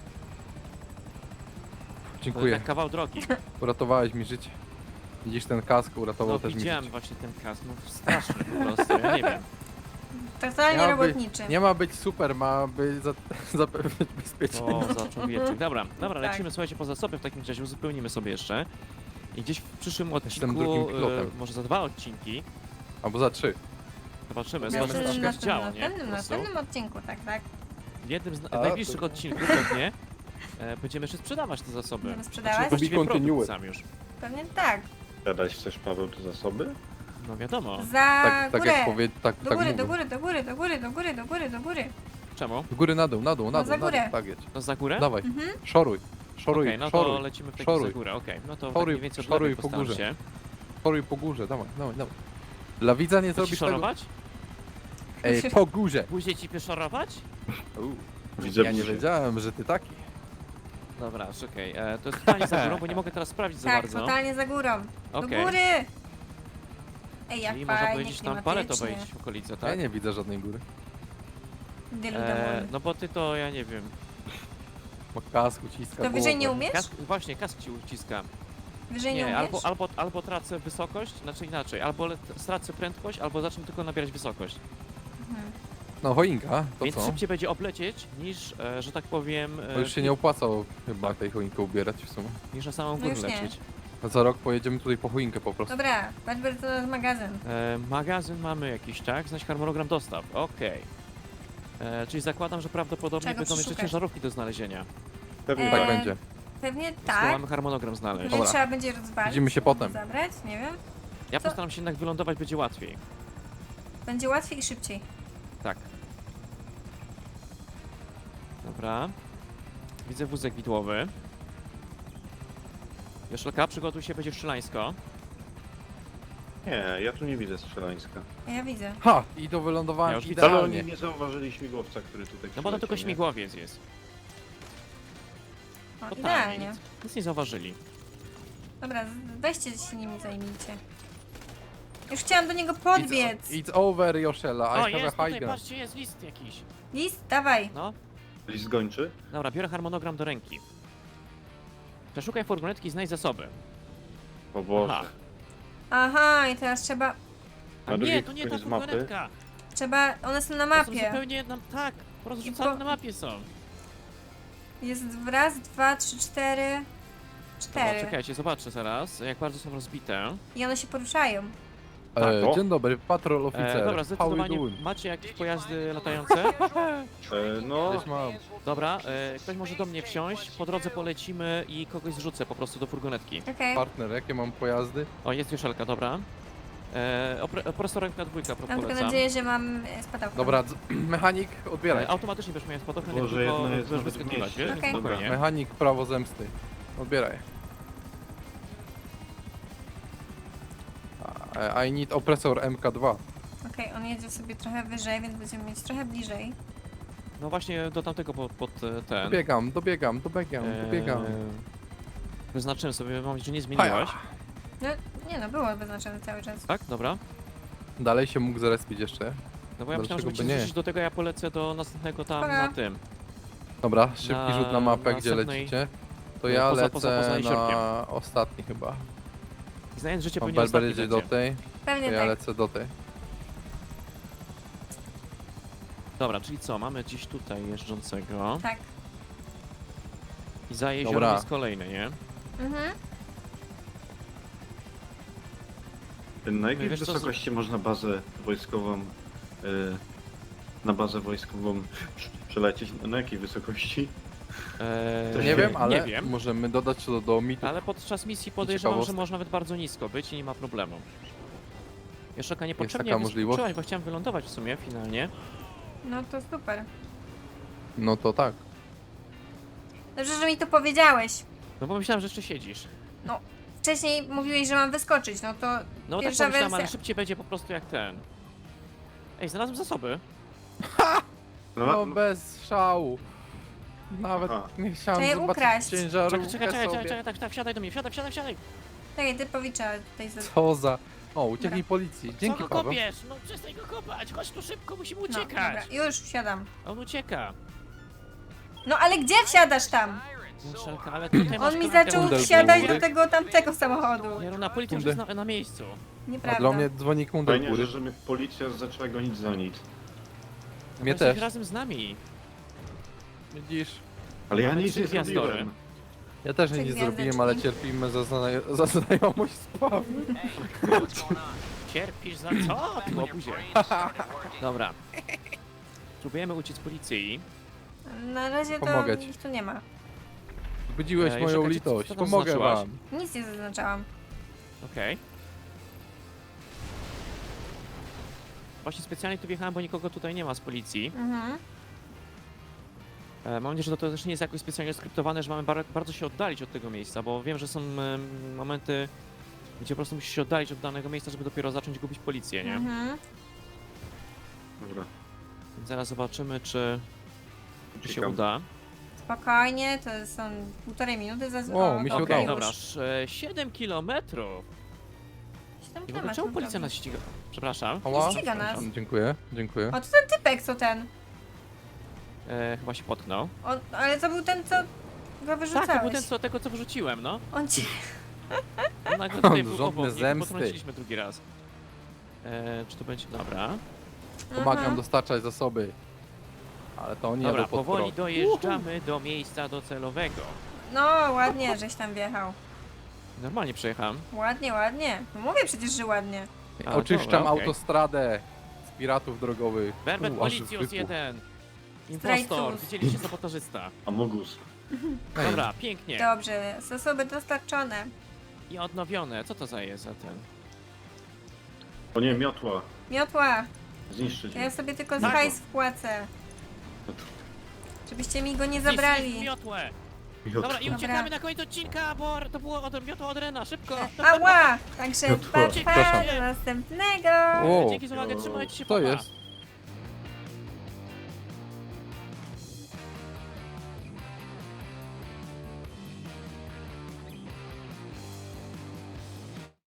Speaker 2: Dziękuję,
Speaker 1: tak kawał drogi.
Speaker 2: uratowałeś mi życie. Widzisz, ten kask uratował
Speaker 1: No
Speaker 2: też mi
Speaker 1: widziałem
Speaker 2: życie.
Speaker 1: właśnie ten kask, no straszny po prostu, ja nie wiem.
Speaker 3: Totalnie
Speaker 2: Miał być-
Speaker 3: robotniczy.
Speaker 2: Nie ma być super, ma być za, zapewnić bezpieczeństwo.
Speaker 1: O, za człowieczek. Dobra, dobra,
Speaker 3: Tak.
Speaker 1: lecimy, słuchajcie, po zasoby w takim razie, uzupełnimy sobie jeszcze. I gdzieś w przyszłym
Speaker 2: Jestem
Speaker 1: odcinku,
Speaker 2: drugim pilotem.
Speaker 1: e, może za dwa odcinki,
Speaker 2: Albo za trzy.
Speaker 1: zobaczymy,
Speaker 3: Na
Speaker 1: zobaczymy co
Speaker 3: następnym,
Speaker 1: się będzie działo, nie?
Speaker 3: następnym,
Speaker 1: Po prostu.
Speaker 3: następnym odcinku, tak, tak.
Speaker 1: W jednym z na-
Speaker 2: A,
Speaker 1: najbliższych
Speaker 2: to-
Speaker 1: odcinków pewnie e, będziemy jeszcze sprzedawać te zasoby.
Speaker 3: Będziemy sprzedawać?
Speaker 1: Znaczy, właściwie
Speaker 2: To be
Speaker 1: produkt
Speaker 2: continued.
Speaker 1: sam już.
Speaker 3: Pewnie tak.
Speaker 4: Zadać chcesz, Paweł, te zasoby?
Speaker 1: No wiadomo.
Speaker 3: Za
Speaker 2: Tak, tak
Speaker 3: górę.
Speaker 2: jak powie, tak,
Speaker 3: Do
Speaker 2: tak
Speaker 3: góry,
Speaker 2: mówię.
Speaker 3: do góry, do góry, do góry, do góry, do góry, do góry.
Speaker 1: Czemu?
Speaker 2: Do góry, na dół, na dół, na
Speaker 3: No
Speaker 2: dół,
Speaker 3: za
Speaker 2: na dół.
Speaker 3: górę.
Speaker 2: Tak jedź.
Speaker 1: To za górę?
Speaker 2: Dawaj,
Speaker 3: Mhm.
Speaker 2: szoruj, szoruj,
Speaker 1: Okej, no to
Speaker 2: szoruj,
Speaker 1: lecimy w takim
Speaker 2: szoruj.
Speaker 1: za górę, okej. No to
Speaker 2: Szoruj,
Speaker 1: tak mniej więcej od
Speaker 2: szoruj
Speaker 1: lewej
Speaker 2: po
Speaker 1: postaram
Speaker 2: górze.
Speaker 1: się.
Speaker 2: szoruj po górze, dawaj, dawaj, dawaj. Dla widza nie
Speaker 1: Chcesz
Speaker 2: zrobisz tego.
Speaker 1: szorować?
Speaker 2: Ej, po górze.
Speaker 1: Później ci pieszorować?
Speaker 4: Widzę
Speaker 2: Ja nie
Speaker 4: buzię.
Speaker 2: wiedziałem, że ty taki.
Speaker 1: Dobra, czekaj, e, to jest totalnie za górą, bo nie mogę teraz sprawdzić za
Speaker 3: Tak,
Speaker 1: bardzo.
Speaker 3: totalnie za górą. Do
Speaker 1: Okej.
Speaker 3: góry! Ej, jak
Speaker 1: Czyli można
Speaker 3: fajnie,
Speaker 1: powiedzieć, tam parę to
Speaker 3: klimatycznie.
Speaker 1: wejść w okolice,
Speaker 2: Ja
Speaker 1: tak?
Speaker 2: nie widzę żadnej góry.
Speaker 3: Dylu
Speaker 1: E,
Speaker 3: domol.
Speaker 1: no bo ty to, ja nie wiem.
Speaker 2: Ma kask, uciska
Speaker 3: To wyżej nie
Speaker 2: głowę.
Speaker 3: umiesz?
Speaker 1: Kask, właśnie, kask ci uciska.
Speaker 3: Wyżej nie
Speaker 1: Nie,
Speaker 3: umiesz?
Speaker 1: albo, albo, albo tracę wysokość, znaczy inaczej, albo le- stracę prędkość, albo zacznę tylko nabierać wysokość.
Speaker 3: Mhm.
Speaker 2: No choinka, to
Speaker 1: Więc
Speaker 2: co?
Speaker 1: szybciej będzie oblecieć niż, e, że tak powiem, e,
Speaker 2: To już się nie opłacało chyba tej choinkę ubierać w sumie.
Speaker 1: niż na samą
Speaker 3: No
Speaker 1: górę
Speaker 3: już nie.
Speaker 1: lecieć.
Speaker 2: A za rok pojedziemy tutaj po choinkę po prostu.
Speaker 3: Dobra, Badber to jest magazyn.
Speaker 1: E, magazyn mamy jakiś, tak? Znajdź harmonogram dostaw, okej. E, Czyli zakładam, że prawdopodobnie
Speaker 3: Czego
Speaker 1: będą jeszcze
Speaker 3: przeszukasz?
Speaker 1: ciężarówki do znalezienia.
Speaker 4: Pewnie
Speaker 3: E,
Speaker 2: Tak
Speaker 4: tak.
Speaker 2: będzie.
Speaker 3: Pewnie
Speaker 1: Skoro
Speaker 3: tak.
Speaker 1: mamy harmonogram znaleźć.
Speaker 3: Pewnie
Speaker 2: Dobra.
Speaker 3: trzeba będzie rozwalić.
Speaker 2: Widzimy się potem.
Speaker 3: Zabrać, nie wiem.
Speaker 1: Ja
Speaker 3: co?
Speaker 1: postaram się jednak wylądować, będzie łatwiej.
Speaker 3: Będzie łatwiej i szybciej.
Speaker 1: Tak. Dobra. Widzę wózek widłowy. Joszelka, przygotuj się, będzie strzelańsko.
Speaker 4: Nie, ja tu nie widzę strzelańska.
Speaker 3: Ja widzę.
Speaker 2: Ha! I do wylądowania
Speaker 1: Ja już widzę.
Speaker 4: Ale
Speaker 2: idealnie.
Speaker 4: oni nie zauważyli śmigłowca, który tutaj
Speaker 1: No bo to tylko
Speaker 4: przyleciał, nie?
Speaker 1: śmigłowiec jest.
Speaker 3: O,
Speaker 1: Totalnie.
Speaker 3: idealnie.
Speaker 1: Nic, nic nie zauważyli.
Speaker 3: Dobra, z- weźcie się nimi zajmijcie. Już chciałam do niego podbiec.
Speaker 2: It's, it's over, Joszela. I
Speaker 1: O,
Speaker 2: have
Speaker 1: jest
Speaker 2: a
Speaker 1: tutaj,
Speaker 2: high ground.
Speaker 1: patrzcie, jest list jakiś.
Speaker 3: List, dawaj.
Speaker 1: No,
Speaker 4: List gończy?
Speaker 1: dobra, biorę harmonogram do ręki. Przeszukaj furgonetki i znajdź zasoby.
Speaker 4: O Boże.
Speaker 1: Aha.
Speaker 3: Aha, i teraz trzeba,
Speaker 1: A
Speaker 4: Na
Speaker 1: nie,
Speaker 4: drugiej
Speaker 1: to nie ta
Speaker 4: stronie z mapy.
Speaker 1: furgonetka.
Speaker 3: trzeba, one są na
Speaker 1: To są
Speaker 3: mapie.
Speaker 1: zupełnie, na, tak, porozrzucane
Speaker 3: po-
Speaker 1: na mapie są.
Speaker 3: Jest raz, dwa, trzy, cztery.
Speaker 1: Dobra,
Speaker 3: Cztery.
Speaker 1: czekajcie, zobaczę zaraz, jak bardzo są rozbite.
Speaker 3: I one się poruszają.
Speaker 2: E,
Speaker 4: Tak, o.
Speaker 2: dzień dobry, patrol oficer.
Speaker 1: E, dobra,
Speaker 2: How you
Speaker 1: zdecydowanie
Speaker 2: doing?
Speaker 1: macie jakieś pojazdy latające?
Speaker 4: E, no,
Speaker 2: Gdzieś mam.
Speaker 1: Dobra, e, ktoś może do mnie wsiąść, po drodze polecimy i kogoś zrzucę po prostu do furgonetki.
Speaker 3: Okej.
Speaker 2: Partner, jakie mam pojazdy?
Speaker 1: O, jest Joszelka, dobra. E, opre- Opresoremka dwójka, pro-
Speaker 3: Mam tylko
Speaker 1: polecam.
Speaker 3: nadzieję, że mam e, spadałkę.
Speaker 2: Dobra, dz- mechanik, odbieraj.
Speaker 1: E, automatycznie będziesz miał spadochron, jak
Speaker 4: Boże,
Speaker 1: tylko
Speaker 4: jedna jest
Speaker 1: będziesz
Speaker 4: nawet w
Speaker 1: wyskakiwać,
Speaker 4: mieście.
Speaker 1: wiesz?
Speaker 3: Okej.
Speaker 1: Spokojnie.
Speaker 2: Mechanik, prawo zemsty. Odbieraj. A- I need opresor M K dwa.
Speaker 3: Okej, on jedzie sobie trochę wyżej, więc będziemy mieć trochę bliżej.
Speaker 1: No właśnie do tamtego pod, pod e, ten.
Speaker 2: Dobiegam, dobiegam, dobiegam, dobiegam.
Speaker 1: E, Wyznaczyłem sobie, mam nadzieję, że nie zmieniłaś.
Speaker 3: No, nie no, było wyznaczone cały czas.
Speaker 1: Tak, dobra.
Speaker 2: Dalej się mógł zarespić jeszcze.
Speaker 1: No bo ja myślałem, że
Speaker 2: Dlaczego
Speaker 1: będziecie
Speaker 2: by nie?
Speaker 1: zrzucić do tego, ja polecę do następnego tam
Speaker 3: Dobra.
Speaker 1: na tym.
Speaker 2: Dobra, szybki
Speaker 1: Na-
Speaker 2: rzut na mapę,
Speaker 1: na
Speaker 2: gdzie
Speaker 1: następnej-
Speaker 2: lecicie. To
Speaker 1: no,
Speaker 2: ja
Speaker 1: poza-
Speaker 2: lecę
Speaker 1: poza- poza
Speaker 2: na
Speaker 1: jeziorkiem.
Speaker 2: ostatni chyba.
Speaker 1: I znając życie
Speaker 2: Pan
Speaker 1: pewnie
Speaker 2: Berber
Speaker 1: ostatni
Speaker 2: jedzie do
Speaker 1: będzie.
Speaker 2: tej, to
Speaker 3: Pewnie
Speaker 2: ja
Speaker 3: tak.
Speaker 2: lecę do tej.
Speaker 1: Dobra, czyli co, mamy gdzieś tutaj jeżdżącego
Speaker 3: Tak.
Speaker 1: i za jeziorem
Speaker 2: Dobra.
Speaker 1: jest kolejny, nie?
Speaker 3: Mhm.
Speaker 4: na jakiej
Speaker 1: Wiesz co, z-
Speaker 4: wysokości można bazę wojskową, e, na bazę wojskową przelecieć? Na jakiej wysokości?
Speaker 1: Eee,
Speaker 4: To
Speaker 2: Nie wiem, ale
Speaker 1: Nie wiem,
Speaker 2: możemy dodać to do mitu.
Speaker 1: ale podczas misji podejrzewam, że
Speaker 2: ciekawostek.
Speaker 1: można nawet bardzo nisko być i nie ma problemu. Joszelka, niepotrzebnie
Speaker 2: taka możliwość?
Speaker 1: wyskoczyłaś, bo chciałem wylądować w sumie finalnie.
Speaker 3: No to super.
Speaker 2: No to tak.
Speaker 3: Dobrze, że mi to powiedziałeś.
Speaker 1: No bo myślałem, że jeszcze siedzisz.
Speaker 3: Wcześniej mówiłeś, że mam wyskoczyć, no to
Speaker 1: No tak
Speaker 3: Pierwsza
Speaker 1: pomyślałem, ale
Speaker 3: wersja.
Speaker 1: szybciej będzie po prostu jak ten. Ej, znalazłem zasoby.
Speaker 2: No bez szału. Nawet
Speaker 4: Aha.
Speaker 2: nie chciałem
Speaker 3: Trzeba je
Speaker 2: zobaczyć
Speaker 3: ukraść.
Speaker 2: ciężarówkę
Speaker 1: Czekaj, czekaj, czekaj,
Speaker 2: sobie.
Speaker 1: czekaj, czekaj, tak, tak, wsiadaj do mnie, wsiadaj, wsiadaj, wsiadaj.
Speaker 3: czekaj, typowicza tutaj z...
Speaker 2: Co za... O, uciekli
Speaker 3: Dobra.
Speaker 2: policji.
Speaker 1: Co
Speaker 2: Dzięki,
Speaker 1: go
Speaker 2: Paweł.
Speaker 1: kopiesz? No przestań go kopać, chodź tu szybko, musimy
Speaker 3: No,
Speaker 1: uciekać.
Speaker 3: dobra, już wsiadam.
Speaker 1: On ucieka.
Speaker 3: No ale gdzie wsiadasz tam?
Speaker 1: Muszelka, ale tutaj masz
Speaker 3: On mi
Speaker 1: kanapkę
Speaker 3: zaczął
Speaker 2: Kundel
Speaker 3: wsiadać
Speaker 2: góry.
Speaker 3: do tego tamtego samochodu.
Speaker 1: Nie no, na policji już
Speaker 2: Kunde.
Speaker 1: jest na, na miejscu.
Speaker 2: A
Speaker 3: Nieprawda.
Speaker 2: dla mnie dzwoni kundel
Speaker 4: Fajnie,
Speaker 2: góry.
Speaker 4: że, że mnie policja zaczęła gonić za nic.
Speaker 1: No
Speaker 2: Mnie
Speaker 1: bo jesteś
Speaker 2: też.
Speaker 1: razem z nami.
Speaker 2: Widzisz?
Speaker 4: Ale ja
Speaker 1: Mamy
Speaker 4: nic
Speaker 1: trzy
Speaker 4: nie
Speaker 1: gwiazdory.
Speaker 4: zrobiłem.
Speaker 2: Ja też
Speaker 3: Trzy
Speaker 2: nic nie
Speaker 3: gwiazdeczki.
Speaker 2: zrobiłem, ale cierpimy za, zna za znajomość z Pawłem.
Speaker 1: Cierpisz za co? Ty łobuzie. Dobra. Próbujemy uciec z policji.
Speaker 3: Na razie to
Speaker 2: Pomogę ci.
Speaker 3: ich tu nie ma.
Speaker 2: Zbudziłeś
Speaker 1: Ej,
Speaker 2: moją
Speaker 1: czekajcie,
Speaker 2: litość.
Speaker 1: co tam
Speaker 2: Pomogę
Speaker 1: zaznaczyłaś?
Speaker 2: wam.
Speaker 3: Nic nie zaznaczałam.
Speaker 1: Okej. Właśnie specjalnie tu wjechałem, bo nikogo tutaj nie ma z policji.
Speaker 3: Mhm.
Speaker 1: E, mam nadzieję, że to też nie jest jakoś specjalnie skryptowane, że mamy bar bardzo się oddalić od tego miejsca, bo wiem, że są em, momenty, gdzie po prostu musisz się oddalić od danego miejsca, żeby dopiero zacząć gubić policję, nie?
Speaker 3: Mhm.
Speaker 4: Dobra.
Speaker 1: Więc zaraz zobaczymy, czy, czy się
Speaker 4: Uciekam.
Speaker 1: uda.
Speaker 3: Spokojnie, to są półtorej minuty za...
Speaker 2: O, mi się
Speaker 1: Okej,
Speaker 2: udało.
Speaker 1: dobra, sz- siedem kilometrów.
Speaker 3: siedem
Speaker 1: I w ogóle
Speaker 3: temat
Speaker 1: czemu
Speaker 3: mam
Speaker 1: policja
Speaker 3: prawie.
Speaker 1: nas ściga? Przepraszam.
Speaker 2: Ała.
Speaker 3: ściga nas.
Speaker 2: Dziękuję, dziękuję.
Speaker 3: O, to ten typek, co ten?
Speaker 1: E, chyba się potknął.
Speaker 3: On, ale to był ten, co go wyrzucałeś.
Speaker 1: Tak, to był ten, co, tego, co wyrzuciłem, no.
Speaker 3: On ci...
Speaker 1: On nagle tutaj był
Speaker 2: Żądne
Speaker 1: obok, nie
Speaker 2: zemsty.
Speaker 1: potrąciliśmy drugi raz. E, czy to będzie... Dobra.
Speaker 2: Pomagam
Speaker 3: Mhm.
Speaker 2: dostarczać zasoby. Ale to nie
Speaker 1: Dobra,
Speaker 2: był pod
Speaker 1: powoli
Speaker 2: prąd.
Speaker 1: dojeżdżamy do miejsca docelowego.
Speaker 3: No, ładnie, żeś tam wjechał.
Speaker 1: Normalnie przejechałem.
Speaker 3: Ładnie, ładnie. No mówię przecież, że ładnie.
Speaker 1: A,
Speaker 2: Oczyszczam
Speaker 1: dobra, okej.
Speaker 2: autostradę z piratów drogowych.
Speaker 1: Berbet
Speaker 2: U, aż
Speaker 1: Policjus
Speaker 2: wybuch.
Speaker 1: jeden. Impostor,
Speaker 3: Zdrajców.
Speaker 1: widzieliście sabotażysta.
Speaker 4: Amogus.
Speaker 2: Ej,
Speaker 1: Dobra, pięknie.
Speaker 3: Dobrze, zasoby dostarczone.
Speaker 1: I odnowione. Co to za jest za ten?
Speaker 4: O nie, miotła.
Speaker 3: Miotła,
Speaker 4: Zniszczyć
Speaker 3: ja
Speaker 4: mnie.
Speaker 3: sobie tylko z
Speaker 1: Tak.
Speaker 3: hajs wpłacę. Żebyście mi go nie
Speaker 1: Zniszczyć
Speaker 3: zabrali.
Speaker 1: miotłę.
Speaker 4: Miotła.
Speaker 1: Dobra, i
Speaker 3: Dobra.
Speaker 1: uciekamy na koniec odcinka, bo to było od, miotła od Rena, szybko.
Speaker 3: Ała! Także
Speaker 4: Miotła.
Speaker 3: pa, pa
Speaker 2: Przepraszam.
Speaker 3: do następnego!
Speaker 2: O,
Speaker 1: Dzięki za uwagę, trzymajcie się,
Speaker 2: to
Speaker 1: pa, pa.
Speaker 2: jest.